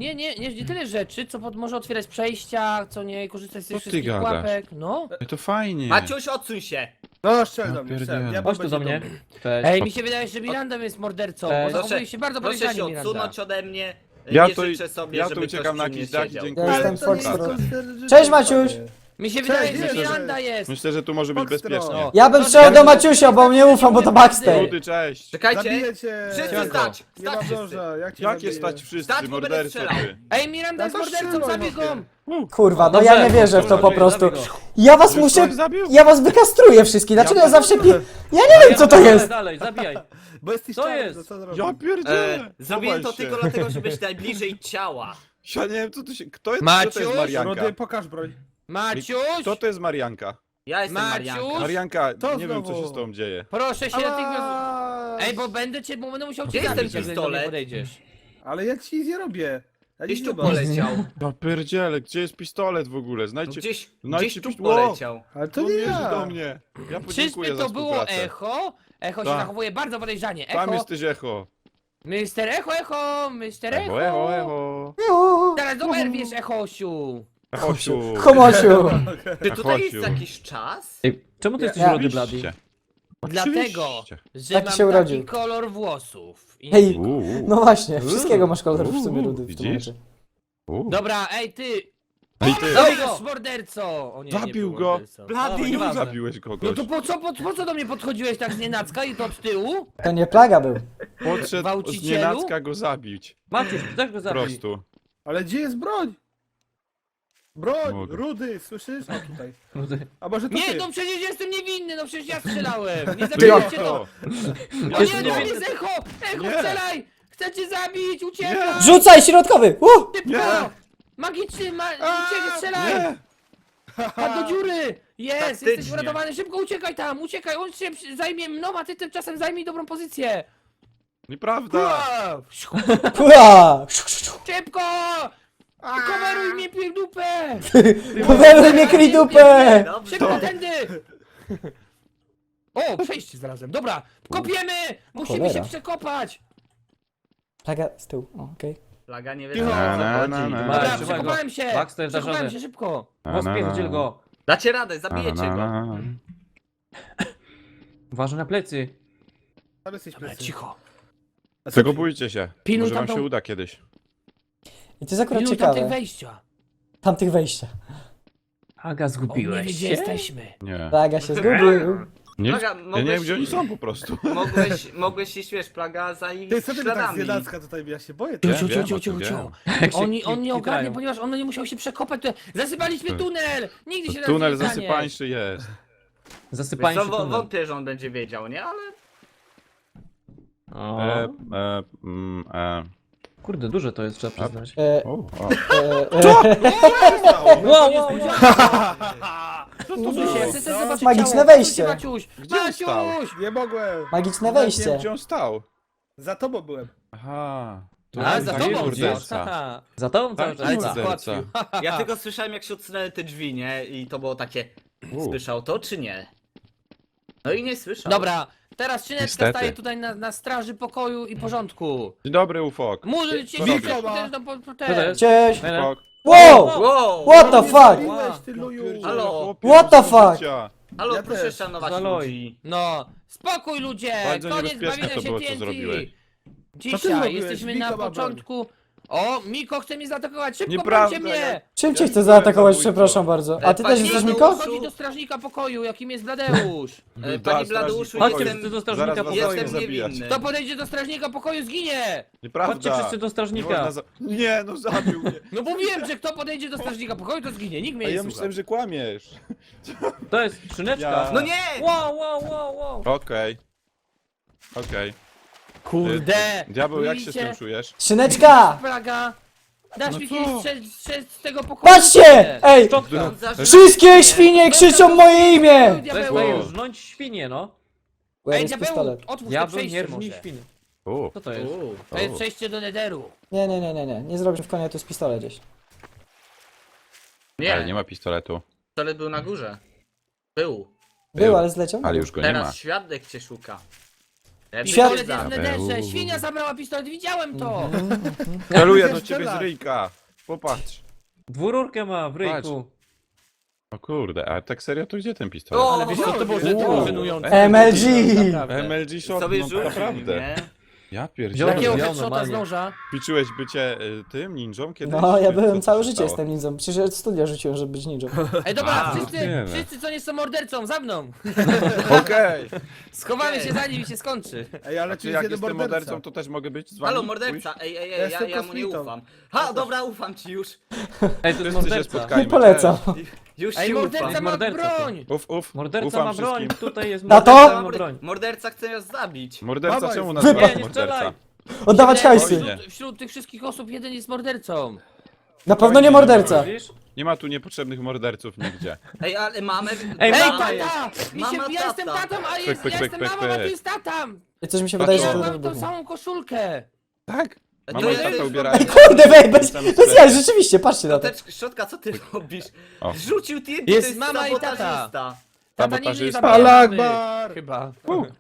Speaker 1: nie tyle rzeczy, co może otwierać przejścia, co nie korzystać z tych
Speaker 3: Co ty
Speaker 1: wszystkich
Speaker 3: gadasz?
Speaker 1: pułapek, no.
Speaker 3: Ej, to fajnie.
Speaker 4: Maciuś, odsuń się!
Speaker 6: No, strzel do
Speaker 3: Ja
Speaker 6: mnie, strzel.
Speaker 3: pierdzielę.
Speaker 6: Ja
Speaker 5: Chodź tu do mnie. Cześć.
Speaker 1: Ej, mi się wydaje, że Miranda jest mordercą, bo
Speaker 5: Proszę-
Speaker 1: zachowuje się bardzo
Speaker 4: Proszę
Speaker 1: podejrzanie
Speaker 4: się
Speaker 1: Miranda.
Speaker 4: odsunąć ode mnie.
Speaker 3: Ja
Speaker 4: nie
Speaker 3: to,
Speaker 4: życzę sobie,
Speaker 3: ja to
Speaker 4: żeby
Speaker 3: uciekam
Speaker 4: ktoś
Speaker 3: na
Speaker 4: przy mnie
Speaker 3: jakiś dach i
Speaker 4: siedział.
Speaker 3: dziękuję.
Speaker 2: Ja jestem
Speaker 3: za
Speaker 2: Foxtrot.
Speaker 3: pracę.
Speaker 2: Cześć, Maciuś!
Speaker 1: Mi się wydaje,
Speaker 6: Cześć,
Speaker 1: że
Speaker 6: cześć.
Speaker 1: Miranda jest.
Speaker 3: Myślę, że tu może być
Speaker 6: Foxtrot.
Speaker 3: bezpiecznie.
Speaker 1: O.
Speaker 2: Ja bym strzelał do Maciusia, bo nie ufam, bo to Baxter.
Speaker 3: Rudy, cześć.
Speaker 4: Czekajcie!
Speaker 6: Zabiję cię!
Speaker 4: Wszyscy
Speaker 3: Siadaj.
Speaker 4: stać!
Speaker 6: Nie ma
Speaker 4: Stać wszyscy!
Speaker 6: noża, jak cię
Speaker 3: Jakie
Speaker 6: zabiję?
Speaker 3: stać wszyscy,
Speaker 4: Stać, bo będę
Speaker 3: morderco
Speaker 4: strzelał.
Speaker 3: ty.
Speaker 1: Ej, Miranda jest
Speaker 6: Ja to
Speaker 1: mordercą,
Speaker 6: strzelam,
Speaker 1: zabij go!
Speaker 6: chłopie.
Speaker 2: Kurwa, no
Speaker 5: Dobrze,
Speaker 2: ja nie wierzę w to po
Speaker 3: zabij,
Speaker 2: prostu.
Speaker 5: zabij go.
Speaker 2: Ja was
Speaker 3: Już
Speaker 2: muszę...
Speaker 3: ktoś zabił?
Speaker 2: Ja was wykastruję wszystkich, dlaczego ja zawsze Ja nie wiem co to
Speaker 5: Dalej,
Speaker 2: jest!
Speaker 5: Dalej, zabijaj.
Speaker 6: Bo jesteś
Speaker 5: To
Speaker 6: czarny,
Speaker 5: jest.
Speaker 6: to co zrobić?
Speaker 3: Ja pierdzielę.
Speaker 4: Zrobiłem to
Speaker 3: Chowaj się.
Speaker 4: tylko dlatego, że być najbliżej ciała.
Speaker 3: Ja nie wiem, co tu się... Kto jest,
Speaker 1: Maciuś?
Speaker 3: kto to jest Marianka?
Speaker 6: Rudy, pokaż broń.
Speaker 1: Maciuś!
Speaker 3: Kto to jest Marianka?
Speaker 4: Ja jestem
Speaker 1: Maciuś?
Speaker 4: Marianka.
Speaker 3: Marianka,
Speaker 6: To
Speaker 3: nie wiem, co
Speaker 6: znowu.
Speaker 3: się z tobą dzieje.
Speaker 1: Proszę się natychmiast...
Speaker 6: Ała!
Speaker 1: Ej, bo będę musiał cię
Speaker 4: Gdzie jest
Speaker 1: zabić,
Speaker 4: ten
Speaker 1: jak do mnie
Speaker 4: pistolet?
Speaker 1: podejdziesz.
Speaker 6: Ale ja ci nic nie robię. Ja
Speaker 4: Gdzieś
Speaker 6: nic
Speaker 4: tu
Speaker 6: nie mam.
Speaker 4: poleciał.
Speaker 3: Ja pierdzielę, gdzie jest pistolet w ogóle?
Speaker 4: No
Speaker 3: Znajdźcie...
Speaker 4: gdzieś
Speaker 3: Znajdźcie
Speaker 4: tu
Speaker 3: pist-
Speaker 4: poleciał.
Speaker 6: Ale to
Speaker 3: To
Speaker 6: nie
Speaker 3: mierzy
Speaker 6: ja.
Speaker 3: do mnie. Ja podziękuję
Speaker 1: Czyżby
Speaker 3: za
Speaker 1: to było
Speaker 3: współpracę.
Speaker 1: echo? Echo się
Speaker 3: Tak.
Speaker 1: zachowuje bardzo podejrzanie.
Speaker 3: Tam
Speaker 1: Echo,
Speaker 3: jesteś echo.
Speaker 1: Mister Echo, Mister
Speaker 3: Echo,
Speaker 1: Echo.
Speaker 3: echo.
Speaker 1: Teraz oberwiesz, Echosiu.
Speaker 3: Echosiu.
Speaker 2: Chomosiu!
Speaker 4: Czy tutaj jest
Speaker 3: Echosiu.
Speaker 4: jakiś czas?
Speaker 5: Ej, czemu ty jesteś
Speaker 2: Ja-
Speaker 5: rudy, Blady?
Speaker 3: Oczywiście.
Speaker 1: Dlatego,
Speaker 3: Oczywiście.
Speaker 1: że
Speaker 2: Taki
Speaker 1: mam
Speaker 2: się
Speaker 1: taki
Speaker 2: urodził.
Speaker 1: kolor włosów. I...
Speaker 2: Hej,
Speaker 3: Uuu.
Speaker 2: no właśnie, wszystkiego masz kolor w sumie rudy w tym
Speaker 3: Widzisz?
Speaker 2: momencie.
Speaker 3: Uuu.
Speaker 1: Dobra, ej ty!
Speaker 3: Ej, ty.
Speaker 1: Zabij go, morderco! O nie, nie
Speaker 3: Zabił
Speaker 1: był
Speaker 3: go.
Speaker 1: mordercą.
Speaker 4: Blady!
Speaker 5: O, nieważne.
Speaker 3: Zabiłeś
Speaker 1: No
Speaker 3: kogoś.
Speaker 1: to po co do mnie podchodziłeś tak z nienacka i to od tyłu?
Speaker 2: To nie plaga był.
Speaker 3: Podszedł z
Speaker 1: Gwałcicielu?
Speaker 3: nienacka go zabić.
Speaker 5: Maciuś, też go
Speaker 3: Po
Speaker 5: zabij.
Speaker 3: prostu.
Speaker 6: Ale gdzie jest broń? Broń!
Speaker 3: Mogę.
Speaker 6: Rudy, słyszysz? O tutaj.
Speaker 5: Rudy.
Speaker 6: A może to
Speaker 1: Nie,
Speaker 6: ty?
Speaker 1: no przecież jestem niewinny, no przecież ja strzelałem! Nie
Speaker 3: Ty jak
Speaker 1: zabijcie to!
Speaker 3: to?
Speaker 1: O
Speaker 5: Jest
Speaker 1: nie, to
Speaker 5: niewinny.
Speaker 1: jest Echo! Echo,
Speaker 3: Nie.
Speaker 1: strzelaj! Chcę cię zabić, uciekaj!
Speaker 3: Nie.
Speaker 2: Rzucaj środkowy!
Speaker 1: Szybko!
Speaker 3: Nie.
Speaker 1: Magiczny, uciekaj, strzelaj!
Speaker 3: Nie!
Speaker 1: Padł do dziury! Jest, jesteś
Speaker 4: Taktycznie.
Speaker 1: uratowany, szybko uciekaj tam, uciekaj, on się zajmie mną, a ty tymczasem zajmij dobrą pozycję!
Speaker 3: Nieprawda!
Speaker 1: Ua!
Speaker 2: Pua!
Speaker 1: Szybko! Coveruj mnie w dupę!
Speaker 2: Poweruj mnie kryj dupę!
Speaker 4: Dobrze.
Speaker 1: Szybko, tędy! O, przejście znalazłem, dobra! Kopiemy! Musimy
Speaker 2: Cholera.
Speaker 1: się przekopać!
Speaker 2: Plaga z tyłu, o, okej.
Speaker 4: Plaga nie
Speaker 6: Cicho.
Speaker 4: wie,
Speaker 3: Na,
Speaker 4: o co
Speaker 3: na,
Speaker 4: chodzi.
Speaker 3: na, na.
Speaker 1: Dobra,
Speaker 5: trzymaj go.
Speaker 1: przekopałem się!
Speaker 5: Baxter, dasz
Speaker 1: Przekopałem
Speaker 5: radę.
Speaker 1: się szybko!
Speaker 5: Pospierdziel go.
Speaker 4: Dacie radę, zabijecie go.
Speaker 5: Uważaj na plecy.
Speaker 6: Ale jesteś
Speaker 1: Dobra,
Speaker 6: plecy.
Speaker 1: cicho.
Speaker 6: A co
Speaker 3: Tego
Speaker 6: ty?
Speaker 3: bójcie się.
Speaker 1: Pilnuj
Speaker 3: Może wam
Speaker 1: tamtą-
Speaker 3: się uda kiedyś.
Speaker 2: I to jest akurat
Speaker 1: Pilnuj tamtych
Speaker 2: ciekawe.
Speaker 1: wejścia!
Speaker 2: Tamtych wejścia.
Speaker 5: Aga,
Speaker 1: On nie
Speaker 5: zgubiłeś
Speaker 1: wie, gdzie
Speaker 5: się?
Speaker 1: jesteśmy!
Speaker 3: Nie.
Speaker 2: Plaga się zgubił.
Speaker 3: Nie,
Speaker 4: Plaga,
Speaker 3: ja nie wiem,
Speaker 4: mogłeś-
Speaker 3: gdzie oni są po prostu.
Speaker 4: Mogłeś iść, wiesz, plaga za ich
Speaker 6: Ty, co ty tak z
Speaker 4: śladami.
Speaker 6: nienacka tutaj, ja się boję.
Speaker 3: Wiem,
Speaker 6: Ty.
Speaker 3: wiem, o tym wiem.
Speaker 5: Jak się
Speaker 1: On nie
Speaker 5: kitrają.
Speaker 1: ogarnie, ponieważ on nie musiał się przekopać. Zasypaliśmy tunel! Nigdy się nas
Speaker 3: Tunel
Speaker 1: nie stanie.
Speaker 3: zasypańszy jest.
Speaker 5: Zasypaj
Speaker 4: Wiesz
Speaker 5: się
Speaker 4: co,
Speaker 5: tunel.
Speaker 4: wątpię, że on będzie wiedział, nie? Ale
Speaker 5: O, Kurde, duże to jest, trzeba przyznać.
Speaker 3: O, o.
Speaker 5: Wow, wow, wow.
Speaker 1: Muszę się, chcę zobaczyć
Speaker 2: Magiczne
Speaker 1: ciało.
Speaker 2: wejście.
Speaker 1: Maciuś!
Speaker 3: Gdzie on stał?
Speaker 1: Maciuś!
Speaker 6: Nie mogłem.
Speaker 2: Magiczne
Speaker 3: Nie wiem,
Speaker 2: wejście.
Speaker 3: gdzie on stał.
Speaker 6: Za tobą byłem.
Speaker 3: Aha. To
Speaker 1: A,
Speaker 3: jest
Speaker 1: za
Speaker 3: taki
Speaker 1: tobą
Speaker 3: morderca.
Speaker 1: Haha.
Speaker 5: Za tobą cały
Speaker 3: Tak,
Speaker 5: czas.
Speaker 1: Ale cię
Speaker 3: morderca.
Speaker 1: załatwił.
Speaker 4: ja tylko słyszałem, jak się odsunęły te drzwi, nie? I to było takie, słyszał to czy nie? No i nie słyszał.
Speaker 1: Dobra, teraz Szyneczka
Speaker 3: Niestety.
Speaker 1: staje tutaj na straży pokoju i porządku.
Speaker 3: Dzień dobry, Ufok.
Speaker 1: Może cię
Speaker 3: Co
Speaker 1: się
Speaker 3: robisz?
Speaker 1: potężną
Speaker 5: Co to jest?
Speaker 2: Cześć!
Speaker 5: Fajne?
Speaker 3: Ufok.
Speaker 2: Wow!
Speaker 4: Wow!
Speaker 2: What the
Speaker 6: Nie
Speaker 2: fuck?
Speaker 6: zabiłeś, ty luju.
Speaker 4: Halo?
Speaker 3: Chłopie,
Speaker 2: What the
Speaker 3: co
Speaker 2: fuck?
Speaker 3: życia?
Speaker 4: Halo,
Speaker 6: Ja
Speaker 4: proszę
Speaker 6: też.
Speaker 4: szanować
Speaker 5: Zaloj.
Speaker 4: ludzi.
Speaker 1: No, spokój ludzie!
Speaker 3: Bardzo
Speaker 1: Koniec
Speaker 3: niebezpieczne
Speaker 1: bawienia
Speaker 3: to
Speaker 1: się
Speaker 3: było, co
Speaker 1: TNT.
Speaker 3: zrobiłeś.
Speaker 6: Co ty
Speaker 1: Dzisiaj
Speaker 6: zrobiłeś?
Speaker 1: jesteśmy
Speaker 6: Miko
Speaker 1: na
Speaker 6: ma broń.
Speaker 1: początku. O, Miko chce mnie zaatakować, szybko
Speaker 3: Nieprawda,
Speaker 1: brońcie mnie!
Speaker 2: Czym cię
Speaker 3: Ja
Speaker 2: chcę
Speaker 3: nie
Speaker 2: zaatakować,
Speaker 3: byłem
Speaker 2: przepraszam bardzo. A ty też
Speaker 4: Panie
Speaker 2: jesteś
Speaker 4: Miko?
Speaker 2: Miko?
Speaker 1: Chodzi do strażnika pokoju, jakim jest Bladeusz.
Speaker 4: Pani
Speaker 3: Tak,
Speaker 4: Bladeuszu,
Speaker 3: strażnik
Speaker 5: Chodźcie
Speaker 3: pokoju.
Speaker 5: wszyscy do strażnika
Speaker 3: Zaraz was
Speaker 5: pokoju.
Speaker 3: zacznę
Speaker 4: Jestem
Speaker 3: zabijać.
Speaker 4: niewinny.
Speaker 1: Kto podejdzie do strażnika pokoju, zginie!
Speaker 3: Nieprawda.
Speaker 5: Chodźcie wszyscy do
Speaker 3: Nie,
Speaker 5: strażnika.
Speaker 3: można nie, no zabił mnie.
Speaker 1: No mówiłem, że kto podejdzie do strażnika pokoju, to zginie, nikt mnie
Speaker 3: A
Speaker 1: nie
Speaker 3: ja
Speaker 1: słucha.
Speaker 3: myślałem, że kłamiesz.
Speaker 5: To jest szyneczka.
Speaker 3: Ja-
Speaker 4: No nie!
Speaker 5: Wow, wow, wow, wow.
Speaker 3: Okej. Okej.
Speaker 1: Kurde!
Speaker 3: Diabeł, jak się z
Speaker 1: Widzicie?
Speaker 3: tym czujesz?
Speaker 2: Szyneczka!
Speaker 1: Plaga! Dasz
Speaker 3: No
Speaker 1: mi
Speaker 3: co?
Speaker 1: kiedyś strzec z tego pokoju?
Speaker 2: Patrzcie! Ej!
Speaker 5: Szczotka.
Speaker 2: Wszystkie świnie krzyczą moje imię!
Speaker 5: To jest
Speaker 3: Wow.
Speaker 5: rżnąć świnie, no.
Speaker 2: Where
Speaker 1: Ej,
Speaker 2: is
Speaker 1: diabeł,
Speaker 2: pistolet?
Speaker 1: otwórz to
Speaker 5: Diabeł nie
Speaker 1: przejście
Speaker 5: rżnij
Speaker 1: może.
Speaker 5: świnie.
Speaker 3: U,
Speaker 5: Co to jest?
Speaker 1: To jest przejście do Netheru.
Speaker 2: Nie zrobisz w konia, to jest pistolet gdzieś.
Speaker 3: ale nie
Speaker 4: Nie,
Speaker 3: ma pistoletu.
Speaker 4: pistolet był na górze. Był.
Speaker 2: Był, ale zleciał?
Speaker 3: Ale już go nie ma.
Speaker 4: Teraz świadek cię szuka.
Speaker 2: Świat-
Speaker 1: Pistolet jest w Netherze,
Speaker 3: Diabeł.
Speaker 1: świnia zabrała pistolet, widziałem to!
Speaker 3: Celuję do ciebie z ryjka. Popatrz.
Speaker 5: Dwururkę ma w ryjku.
Speaker 3: O kurde, a tak serio to gdzie ten pistolet?
Speaker 4: O,
Speaker 1: Ale wiesz co, to było żenujące.
Speaker 2: MLG!
Speaker 1: Naprawdę.
Speaker 3: MLG shot,
Speaker 4: sobie
Speaker 3: no
Speaker 4: rzucił,
Speaker 3: naprawdę.
Speaker 4: nie?
Speaker 3: Ja
Speaker 5: Wziąłem
Speaker 3: pierdzielę.
Speaker 1: Takiego
Speaker 5: Wziąłem
Speaker 1: headshota z
Speaker 5: normalnie.
Speaker 1: noża.
Speaker 3: Ćwiczyłeś bycie tym ninją kiedyś?
Speaker 2: No, ja
Speaker 3: Czy co
Speaker 2: byłem
Speaker 3: się
Speaker 2: całe życie
Speaker 3: stało?
Speaker 2: jestem ninją. Przecież od studia rzuciłem, żeby być ninją.
Speaker 1: Ej, dobra,
Speaker 4: A,
Speaker 3: wiemy.
Speaker 1: wszyscy co nie są mordercą, za mną!
Speaker 3: Okej.
Speaker 1: Schowamy się zanim się skończy.
Speaker 6: Ej, ale
Speaker 3: Czy
Speaker 6: tu jest
Speaker 3: jak
Speaker 6: jeden
Speaker 3: jestem
Speaker 6: morderca.
Speaker 3: mordercą, to też mogę być z wami?
Speaker 4: Halo, morderca! Ej,
Speaker 6: Ja
Speaker 4: ja
Speaker 6: jestem
Speaker 4: mu nie
Speaker 6: kosmitą.
Speaker 4: ufam. Ha, dobra, ufam ci już.
Speaker 5: Ej, to jest
Speaker 3: Wszyscy się
Speaker 5: morderca.
Speaker 3: spotkajmy.
Speaker 2: Nie polecam.
Speaker 4: Już
Speaker 1: Ej,
Speaker 4: ci
Speaker 1: morderca
Speaker 4: ufam.
Speaker 1: ma
Speaker 5: Morderca to.
Speaker 1: broń!
Speaker 3: Uf,
Speaker 5: Morderca
Speaker 3: ufam
Speaker 5: ma broń,
Speaker 3: wszystkim.
Speaker 5: tutaj jest
Speaker 2: Na to?
Speaker 5: morderca, ma broń.
Speaker 4: Morderca chce nas zabić.
Speaker 3: Morderca,
Speaker 6: Dawaj,
Speaker 3: czemu
Speaker 6: wy-
Speaker 3: nazywasz
Speaker 5: Nie, nie
Speaker 3: morderca?
Speaker 5: strzelaj.
Speaker 2: Oddawać hajsy!
Speaker 3: Oj,
Speaker 1: Wśród tych wszystkich osób jeden jest mordercą.
Speaker 2: Na pewno nie morderca.
Speaker 5: Widzisz?
Speaker 3: Nie ma tu niepotrzebnych morderców nigdzie.
Speaker 4: Ej, ale mamy...
Speaker 5: Ej,
Speaker 1: Ej,
Speaker 5: mama
Speaker 1: tata! Ja jestem tatą, a
Speaker 3: Pyk, pyk,
Speaker 1: ja
Speaker 3: pyk,
Speaker 1: jestem
Speaker 3: pyk,
Speaker 1: mamą, a
Speaker 3: pyk.
Speaker 1: tu jest tatą!
Speaker 2: Coś mi się wydaje, że
Speaker 1: Ja
Speaker 2: to
Speaker 1: mam tą
Speaker 2: wybuchnie.
Speaker 1: samą koszulkę.
Speaker 3: Tak?
Speaker 4: To
Speaker 3: Mama i
Speaker 4: jest-
Speaker 3: tata ubierają.
Speaker 2: Ej, kurde, wej, bez jaj, rzeczywiście, patrzcie na to.
Speaker 4: Szczotka, co ty robisz?
Speaker 3: O.
Speaker 4: Rzucił TNT,
Speaker 1: Jest
Speaker 4: to jest
Speaker 1: mama i tata.
Speaker 4: sabotażysta.
Speaker 1: Tata nie
Speaker 3: Sabotażysta.
Speaker 1: zabija
Speaker 6: Allah
Speaker 1: mamy.
Speaker 6: Akbar!
Speaker 1: Chyba.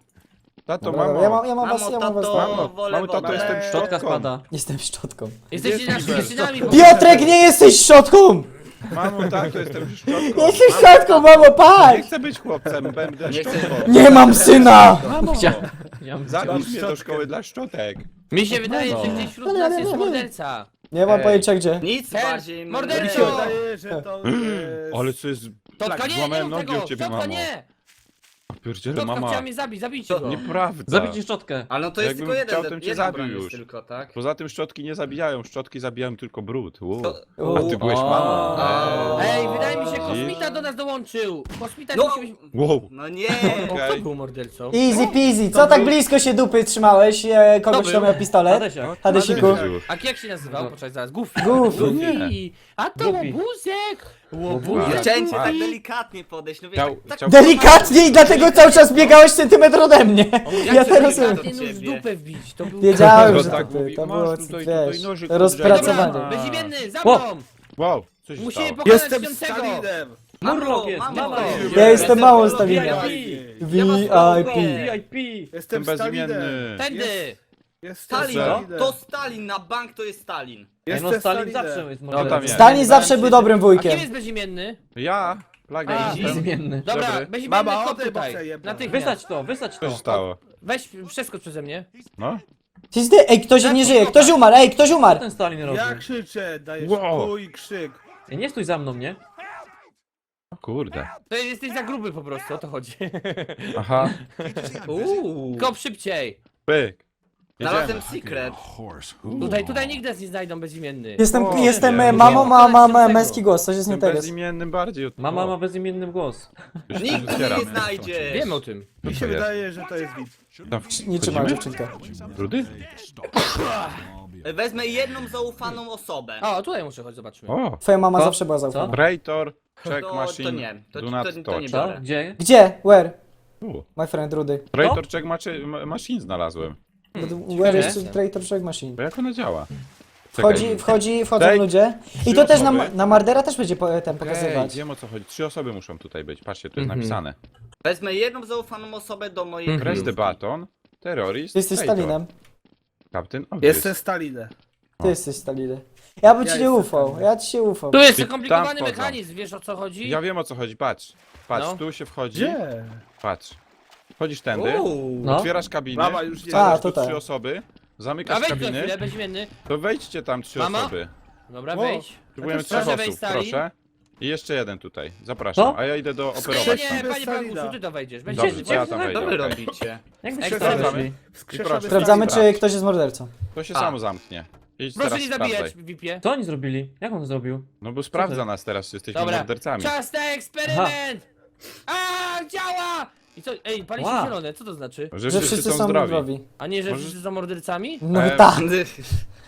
Speaker 3: Tato,
Speaker 2: Dobra,
Speaker 3: mamo.
Speaker 2: ja mam was,
Speaker 4: Mamo,
Speaker 2: ja mam was.
Speaker 4: tato,
Speaker 3: Mamo,
Speaker 4: wolę
Speaker 3: mamo, tato,
Speaker 4: wodę.
Speaker 3: jestem
Speaker 5: Szczotka
Speaker 3: szczotką.
Speaker 5: spada.
Speaker 2: Jestem szczotką.
Speaker 1: Jesteście naszymi synami.
Speaker 2: Piotrek, nie jesteś szczotką!
Speaker 3: Mamo, tato, jestem szczotką.
Speaker 2: Jesteś szczotką, mamo,
Speaker 3: Nie
Speaker 2: patrz!
Speaker 3: chcę być chłopcem, będę
Speaker 4: Nie chcę-
Speaker 3: szczotką.
Speaker 2: Nie mam syna!
Speaker 3: Mamo,
Speaker 5: Ja bym
Speaker 3: zabierz mnie do szkoły dla szczotek.
Speaker 1: Mi się wydaje, że gdzieś wśród nas jest morderca.
Speaker 2: Nie mam
Speaker 3: Ej.
Speaker 2: pojęcia gdzie.
Speaker 4: Nic
Speaker 1: Ten,
Speaker 4: bardziej
Speaker 1: morderco!
Speaker 6: Mi się wydaje, że to
Speaker 3: Ale co jest...
Speaker 1: Totka, nie
Speaker 3: Złamałem
Speaker 1: rób
Speaker 3: nogi
Speaker 1: tego!
Speaker 3: od ciebie,
Speaker 1: Totka,
Speaker 3: mamo.
Speaker 1: nie!
Speaker 3: Pierdziele,
Speaker 1: Totka
Speaker 3: mama.
Speaker 1: chciała mnie zabić, zabijcie go.
Speaker 3: Nieprawda.
Speaker 5: Zabić szczotkę.
Speaker 4: Ale no to jest
Speaker 3: Jakbym
Speaker 4: tylko jeden,
Speaker 3: chciał, to bym cię
Speaker 4: jedna
Speaker 3: zabił
Speaker 4: broń jest
Speaker 3: już.
Speaker 4: tylko, tak?
Speaker 3: Poza tym szczotki nie zabijają, szczotki zabijają tylko brud.
Speaker 4: To-
Speaker 3: A ty byłeś mamą.
Speaker 1: Ej, wydaje mi się, kosmita do nas dołączył. Kosmita
Speaker 4: No!
Speaker 1: musi być...
Speaker 3: Wow.
Speaker 4: No nie!
Speaker 1: Kto
Speaker 3: Okej.
Speaker 1: był mordercą?
Speaker 2: Easy peasy, co tak blisko się dupy trzymałeś? Kogoś,
Speaker 1: To
Speaker 2: kto
Speaker 1: był.
Speaker 2: miał pistolet?
Speaker 5: Hadesiak.
Speaker 2: Hadesiku.
Speaker 1: A jak się nazywał? Poczekaj zaraz. Goofy.
Speaker 2: Goofy.
Speaker 1: Goofy. A to
Speaker 5: Goofy.
Speaker 1: łobuzek!
Speaker 3: A,
Speaker 1: Łobuzek.
Speaker 4: Chciałem cię
Speaker 3: a.
Speaker 4: tak delikatnie podejść, no wiesz,
Speaker 3: Chciał-
Speaker 4: tak
Speaker 3: chciał-
Speaker 2: Delikatnie i dlatego cały czas biegałeś centymetr ode mnie. Ja
Speaker 4: cię
Speaker 2: teraz
Speaker 4: delikatnie
Speaker 1: Nóż w dupę wbić. To był...
Speaker 2: wiedziałem,
Speaker 3: No
Speaker 2: że
Speaker 3: tak
Speaker 2: to
Speaker 3: mówi,
Speaker 2: to
Speaker 3: masz
Speaker 2: było,
Speaker 3: tutaj
Speaker 2: wiesz,
Speaker 3: nożyk
Speaker 2: rozpracowanie.
Speaker 3: odgrzebany.
Speaker 1: Bezimienny, za
Speaker 5: Ło.
Speaker 1: mną!
Speaker 3: Wow, co się
Speaker 1: Musimy
Speaker 3: stało?
Speaker 1: pokonać
Speaker 6: Jestem
Speaker 1: śpiącego!
Speaker 6: Stalinem!
Speaker 5: Murloc jest,
Speaker 4: mamo.
Speaker 5: mama jest.
Speaker 2: Ja jestem małą
Speaker 5: Stalinem.
Speaker 2: Stalinem.
Speaker 5: VIP.
Speaker 2: VIP.
Speaker 5: VIP.
Speaker 6: Jestem
Speaker 3: Jestem
Speaker 6: Stalinem!
Speaker 3: bezimienny.
Speaker 1: Tędy!
Speaker 6: Jestem
Speaker 4: Stalin,
Speaker 6: Stalinem!
Speaker 4: to Stalin, na bank to jest Stalin.
Speaker 5: Ej,
Speaker 6: Jestem
Speaker 5: no Stalin
Speaker 6: Stalinem.
Speaker 5: zawsze jest
Speaker 3: tam
Speaker 5: mordercą.
Speaker 3: jest.
Speaker 2: Stalin zawsze był dobrym
Speaker 1: A kim
Speaker 2: wujkiem.
Speaker 1: jest bezimienny?
Speaker 3: Ja? Plaga
Speaker 1: A,
Speaker 3: jestem.
Speaker 5: Bezimienny.
Speaker 1: Dobra,
Speaker 3: Dobry.
Speaker 1: bezimienny
Speaker 6: Mama,
Speaker 1: kop
Speaker 6: o tym
Speaker 1: tutaj.
Speaker 6: boksem
Speaker 1: Natychmiast.
Speaker 5: Wysać
Speaker 3: Co się
Speaker 5: to.
Speaker 3: stało?
Speaker 1: Weź, przeskocz przeze mnie.
Speaker 3: No?
Speaker 2: Ej, ktoś nie żyje, ktoś umarł, ej, ktoś
Speaker 5: Co
Speaker 2: umarł.
Speaker 5: ten Stalin robi?
Speaker 6: Ja krzyczę, dajesz
Speaker 3: Wow.
Speaker 6: twój krzyk.
Speaker 5: Ej, nie stój za mną, nie?
Speaker 3: O kurde.
Speaker 1: To jesteś za gruby po prostu, o to chodzi.
Speaker 3: Aha.
Speaker 1: Kop szybciej.
Speaker 3: Pyk.
Speaker 4: Znalazłem
Speaker 3: Jedziemy.
Speaker 4: secret.
Speaker 1: Tutaj nigdy nas nie znajdą bezimienny.
Speaker 2: Jestem
Speaker 3: nie.
Speaker 2: mamą,
Speaker 1: Nie.
Speaker 2: mam męski głos, coś jest nie
Speaker 3: Jestem
Speaker 2: teraz.
Speaker 3: bezimiennym bardziej od
Speaker 5: Mama
Speaker 3: tego.
Speaker 5: ma bezimienny głos.
Speaker 3: Już
Speaker 4: Nikt
Speaker 3: tu
Speaker 4: mnie
Speaker 3: zbieram.
Speaker 4: nie znajdzie.
Speaker 1: Wiem o tym.
Speaker 6: Mi się
Speaker 3: to jest?
Speaker 6: wydaje, że to jest widz.
Speaker 3: Tam
Speaker 2: Nie trzyma
Speaker 3: wchodzimy?
Speaker 2: dziewczynka.
Speaker 3: Brudy?
Speaker 4: Wezmę jedną zaufaną osobę.
Speaker 1: O, tutaj muszę chodzić, zobaczmy.
Speaker 3: O!
Speaker 2: Twoja mama
Speaker 5: Co?
Speaker 2: zawsze była zaufana.
Speaker 3: Traitor, check
Speaker 4: To
Speaker 3: machine,
Speaker 4: nie, to
Speaker 3: do not
Speaker 4: nie
Speaker 3: touch.
Speaker 4: biorę.
Speaker 5: Co?
Speaker 4: Dobra.
Speaker 5: Gdzie?
Speaker 2: Gdzie? Where?
Speaker 3: U.
Speaker 2: My friend Rudy.
Speaker 3: Traitor check machine znalazłem.
Speaker 2: Where is Traitor Track Machine?
Speaker 3: Bo jak ona działa? Czekaj.
Speaker 2: Wchodzą
Speaker 3: Daj.
Speaker 2: ludzie. I
Speaker 3: Trzy
Speaker 2: to też
Speaker 3: osoby.
Speaker 2: na Mardera też będzie ten
Speaker 3: Ej,
Speaker 2: pokazywać.
Speaker 3: wiem o co chodzi. 3 osoby muszą tutaj być. Patrzcie, tu jest
Speaker 1: Mhm.
Speaker 3: napisane.
Speaker 4: Wezmę jedną zaufaną osobę do mojej
Speaker 1: Mhm.
Speaker 3: Press the
Speaker 4: kryjówki.
Speaker 3: button, terrorist,
Speaker 2: Ty jesteś
Speaker 3: traitor.
Speaker 2: Stalinem.
Speaker 3: Captain Obvious.
Speaker 6: Jestem Stalinem.
Speaker 2: Ty jesteś Stalinem. Ja bym
Speaker 6: Ja
Speaker 2: ci nie
Speaker 6: jestem
Speaker 2: ufał,
Speaker 6: Stalinem.
Speaker 2: ja ci się ufał.
Speaker 1: Tu jest
Speaker 3: I
Speaker 1: skomplikowany
Speaker 3: tam wchodzą.
Speaker 1: mechanizm, wiesz o co chodzi?
Speaker 3: Ja wiem o co chodzi, patrz. Patrz,
Speaker 1: No.
Speaker 3: tu się wchodzi.
Speaker 6: Gdzie?
Speaker 3: Patrz. Wchodzisz tędy,
Speaker 5: No.
Speaker 3: otwierasz kabinę,
Speaker 6: Mama już nie-
Speaker 3: wsadzasz
Speaker 2: A,
Speaker 3: tu
Speaker 2: tutaj.
Speaker 3: 3 osoby,
Speaker 1: A
Speaker 3: zamykasz
Speaker 1: wejdź za
Speaker 3: kabinę,
Speaker 1: chwilę, bezimienny.
Speaker 3: to wejdźcie tam 3
Speaker 1: Mama?
Speaker 3: osoby.
Speaker 1: Dobra,
Speaker 6: Wow.
Speaker 1: wejdź.
Speaker 3: Próbujemy
Speaker 6: Proszę
Speaker 3: 3
Speaker 1: wejść,
Speaker 3: osób,
Speaker 1: Stalin.
Speaker 3: proszę. I jeszcze jeden tutaj, zapraszam.
Speaker 5: Co?
Speaker 3: A ja idę do operować
Speaker 1: Nie,
Speaker 3: tam.
Speaker 1: nie, panie
Speaker 6: Stalina.
Speaker 1: Baguszu, ty to wejdziesz.
Speaker 3: Dobrze,
Speaker 1: Będziesz
Speaker 3: to ja tam
Speaker 5: Co
Speaker 3: wejdę.
Speaker 4: Co wy
Speaker 3: okej.
Speaker 4: robicie?
Speaker 5: Jak wy
Speaker 1: Ej,
Speaker 5: się
Speaker 1: sprawdzamy.
Speaker 5: znaleźli?
Speaker 6: Wskrzeszamy
Speaker 2: Sprawdzamy,
Speaker 6: Stalina.
Speaker 2: czy ktoś jest mordercą.
Speaker 3: To się
Speaker 4: A.
Speaker 3: samo zamknie. Idź
Speaker 1: Proszę
Speaker 3: teraz
Speaker 1: nie zabijać,
Speaker 3: sprawdzaj.
Speaker 1: VIP-ie.
Speaker 5: Co oni zrobili? Jak on to zrobił?
Speaker 3: No bo sprawdza nas teraz, czy jesteśmy
Speaker 1: Dobra,
Speaker 3: mordercami.
Speaker 1: czas na eksperyment! A, działa! I co, ej, pali się
Speaker 5: Wow.
Speaker 1: zielone, co to znaczy?
Speaker 3: Że
Speaker 2: Że wszyscy są zdrowi.
Speaker 1: A nie, że
Speaker 3: Możesz-
Speaker 1: wszyscy są mordercami?
Speaker 2: No
Speaker 3: Em,
Speaker 2: tak.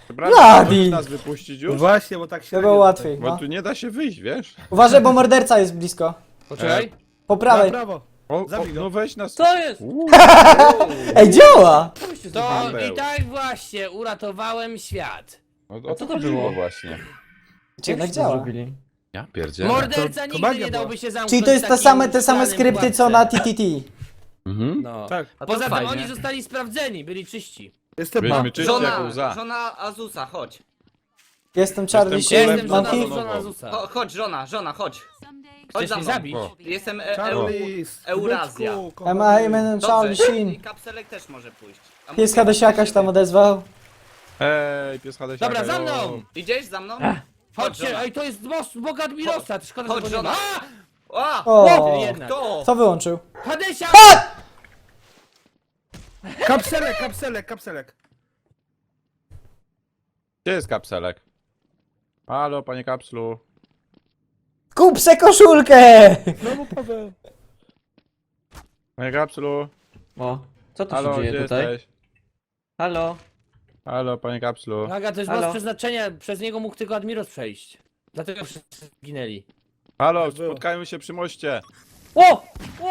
Speaker 3: Dobra,
Speaker 2: Bladi.
Speaker 3: możesz nas wypuścić już?
Speaker 6: Właśnie, bo tak się...
Speaker 2: To było łatwiej,
Speaker 3: Bo
Speaker 2: no.
Speaker 3: tu nie da się wyjść, wiesz?
Speaker 2: Uważaj, bo morderca jest blisko.
Speaker 1: Poczekaj.
Speaker 2: Po
Speaker 6: Na
Speaker 2: prawej.
Speaker 6: prawo.
Speaker 3: O,
Speaker 6: Zabij go.
Speaker 3: no weź nas.
Speaker 5: Co jest?
Speaker 2: Ej, działa!
Speaker 5: Co byście
Speaker 1: To
Speaker 5: zrobili?
Speaker 1: i tak właśnie uratowałem świat.
Speaker 3: O
Speaker 5: co to
Speaker 3: chodziło
Speaker 5: było?
Speaker 3: właśnie.
Speaker 2: Czy jednak
Speaker 5: Jak to
Speaker 2: działa?
Speaker 5: zrobili?
Speaker 3: Ja pierdzielę.
Speaker 1: Morderca
Speaker 6: to
Speaker 1: nigdy
Speaker 6: magia
Speaker 1: nie
Speaker 6: była.
Speaker 1: dałby się zamknąć
Speaker 2: Czyli to jest
Speaker 1: w
Speaker 2: te
Speaker 1: takim
Speaker 2: te same
Speaker 1: szklanym
Speaker 2: skrypty co
Speaker 1: pułapce.
Speaker 2: na TTT.
Speaker 3: Mhm.
Speaker 1: No.
Speaker 6: Tak.
Speaker 4: A to
Speaker 1: Poza tym
Speaker 4: fajnie.
Speaker 1: oni zostali sprawdzeni, byli czyści.
Speaker 6: Jestem
Speaker 3: Byliśmy
Speaker 6: mam.
Speaker 3: czyści jak
Speaker 4: Żona,
Speaker 3: łza.
Speaker 4: żona Azusa, chodź.
Speaker 2: Jestem Charlie
Speaker 3: Jestem
Speaker 2: Sheen,
Speaker 3: królem
Speaker 1: Jestem
Speaker 2: mam
Speaker 3: żona
Speaker 2: hit.
Speaker 1: żona
Speaker 3: domowa.
Speaker 1: Azusa.
Speaker 4: Chodź, żona, chodź. Chodź
Speaker 1: Chcesz
Speaker 4: za
Speaker 1: mnie
Speaker 4: mną.
Speaker 1: zabić?
Speaker 3: O.
Speaker 4: Jestem
Speaker 6: Charlie,
Speaker 4: Eurazja.
Speaker 6: byczku,
Speaker 2: Am
Speaker 6: kochany.
Speaker 2: I man Charlie
Speaker 4: Dobrze,
Speaker 2: Sheen?
Speaker 4: i kapselek też może pójść. A
Speaker 2: Pies
Speaker 4: mówię,
Speaker 2: Hadesiaka się
Speaker 4: że-
Speaker 2: tam odezwał.
Speaker 3: Hej, pies Hadesiaka.
Speaker 1: Dobra, za
Speaker 3: jo.
Speaker 1: mną!
Speaker 4: Idziesz za mną?
Speaker 1: Chodźcie,
Speaker 4: żona.
Speaker 1: ej, to jest most Boga Admirosa, szkoda, że
Speaker 4: Chodź,
Speaker 1: go nie ma.
Speaker 4: żona. A!
Speaker 2: O,
Speaker 1: Jednak.
Speaker 4: Kto?
Speaker 2: co wyłączył?
Speaker 1: Hadesia!
Speaker 6: Kapselek.
Speaker 3: Gdzie jest kapselek? Halo, panie kapslu.
Speaker 2: Kup se koszulkę!
Speaker 6: Znowu Paweł.
Speaker 3: Panie kapslu.
Speaker 5: O, co tu
Speaker 3: Halo,
Speaker 5: się
Speaker 3: gdzie
Speaker 5: dzieje tutaj?
Speaker 3: jesteś?
Speaker 5: Halo?
Speaker 3: Halo, panie kapslu.
Speaker 1: Plaga, to jest
Speaker 5: Halo?
Speaker 1: most przeznaczenia, przez niego mógł tylko Admiros przejść. Dlatego wszyscy zginęli.
Speaker 3: Halo,
Speaker 6: było.
Speaker 3: spotkajmy się przy moście.
Speaker 1: O!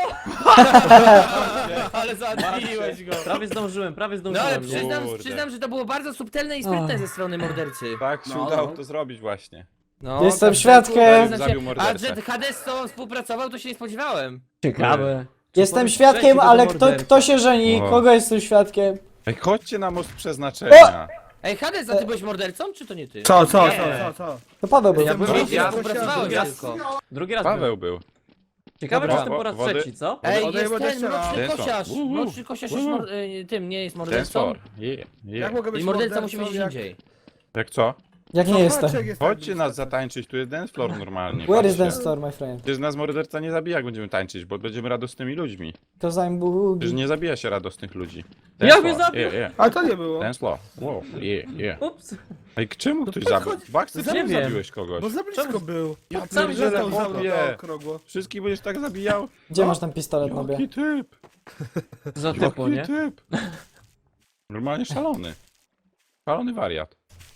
Speaker 1: Ale załatwiłeś go.
Speaker 5: Prawie
Speaker 1: No ale
Speaker 5: zdążyłem, nie?
Speaker 3: Kurde.
Speaker 1: przyznam, że to było bardzo subtelne i sprytne ze strony mordercy.
Speaker 3: Tak się
Speaker 6: No,
Speaker 3: udało
Speaker 6: no.
Speaker 3: to zrobić właśnie.
Speaker 1: No,
Speaker 2: Jestem
Speaker 1: tak,
Speaker 2: świadkiem.
Speaker 1: tak,
Speaker 3: Zabił
Speaker 1: A
Speaker 3: mordercę.
Speaker 1: że Hades z tobą współpracował, to się nie spodziewałem.
Speaker 5: Ciekawe.
Speaker 2: Jestem świadkiem, ale kto się żeni?
Speaker 3: O.
Speaker 2: Kogo jestem świadkiem?
Speaker 3: Ej, chodźcie na most przeznaczenia.
Speaker 1: Ej, Hades, a ty byłeś mordercą, czy to nie ty?
Speaker 6: Co?
Speaker 2: To Paweł był.
Speaker 1: Ja byłem
Speaker 6: Drugi
Speaker 1: ja
Speaker 6: raz,
Speaker 1: współpracowałem
Speaker 6: drugi raz.
Speaker 1: tylko.
Speaker 5: Drugi raz
Speaker 3: Paweł
Speaker 5: był.
Speaker 3: był.
Speaker 5: Ciekawe,
Speaker 1: Dobra.
Speaker 5: czy jestem po raz
Speaker 3: Wody?
Speaker 5: trzeci, co?
Speaker 1: Ej,
Speaker 6: Odejmę
Speaker 1: jest ten
Speaker 6: deszcza.
Speaker 1: mroczny
Speaker 3: Ten co?
Speaker 1: kosiarz. Mroczny kosiarz jest tym, nie jest mordercą.
Speaker 3: Tensor.
Speaker 6: Jak mogę być
Speaker 1: I morderca musi być gdzie
Speaker 6: jak-
Speaker 1: indziej.
Speaker 3: Jak co?
Speaker 2: Jak nie jestem.
Speaker 6: Zobaczcie, jak jest tak
Speaker 3: Chodźcie
Speaker 6: blisko.
Speaker 3: nas zatańczyć, tu jest dance floor normalnie.
Speaker 2: Where is
Speaker 3: patrzcie.
Speaker 2: the store, my friend?
Speaker 3: Przecież nas morderca nie zabija, jak będziemy tańczyć, bo będziemy radosnymi ludźmi.
Speaker 2: Cause I'm
Speaker 3: Przecież
Speaker 2: boogie.
Speaker 3: nie zabija się radosnych ludzi.
Speaker 5: Jak mnie zabił?
Speaker 6: A to nie było.
Speaker 3: Dance floor. Wow, yeah.
Speaker 5: Ups.
Speaker 3: Ej, czemu ktoś zabił? Baxter,
Speaker 5: Nie
Speaker 3: czemu
Speaker 5: wiem.
Speaker 3: zabiłeś kogoś?
Speaker 6: Bo za blisko był.
Speaker 3: Ja
Speaker 5: sami
Speaker 3: pierdzielę,
Speaker 6: Leciał za mną
Speaker 3: chłopie.
Speaker 6: okrągło.
Speaker 3: Wszystkich będziesz tak zabijał?
Speaker 2: Gdzie masz ten pistolet, nobie?
Speaker 3: Jaki typ?
Speaker 5: Za typo,
Speaker 3: Jaki
Speaker 5: nie?
Speaker 3: typ? Normalnie szalony. Szalony wariat.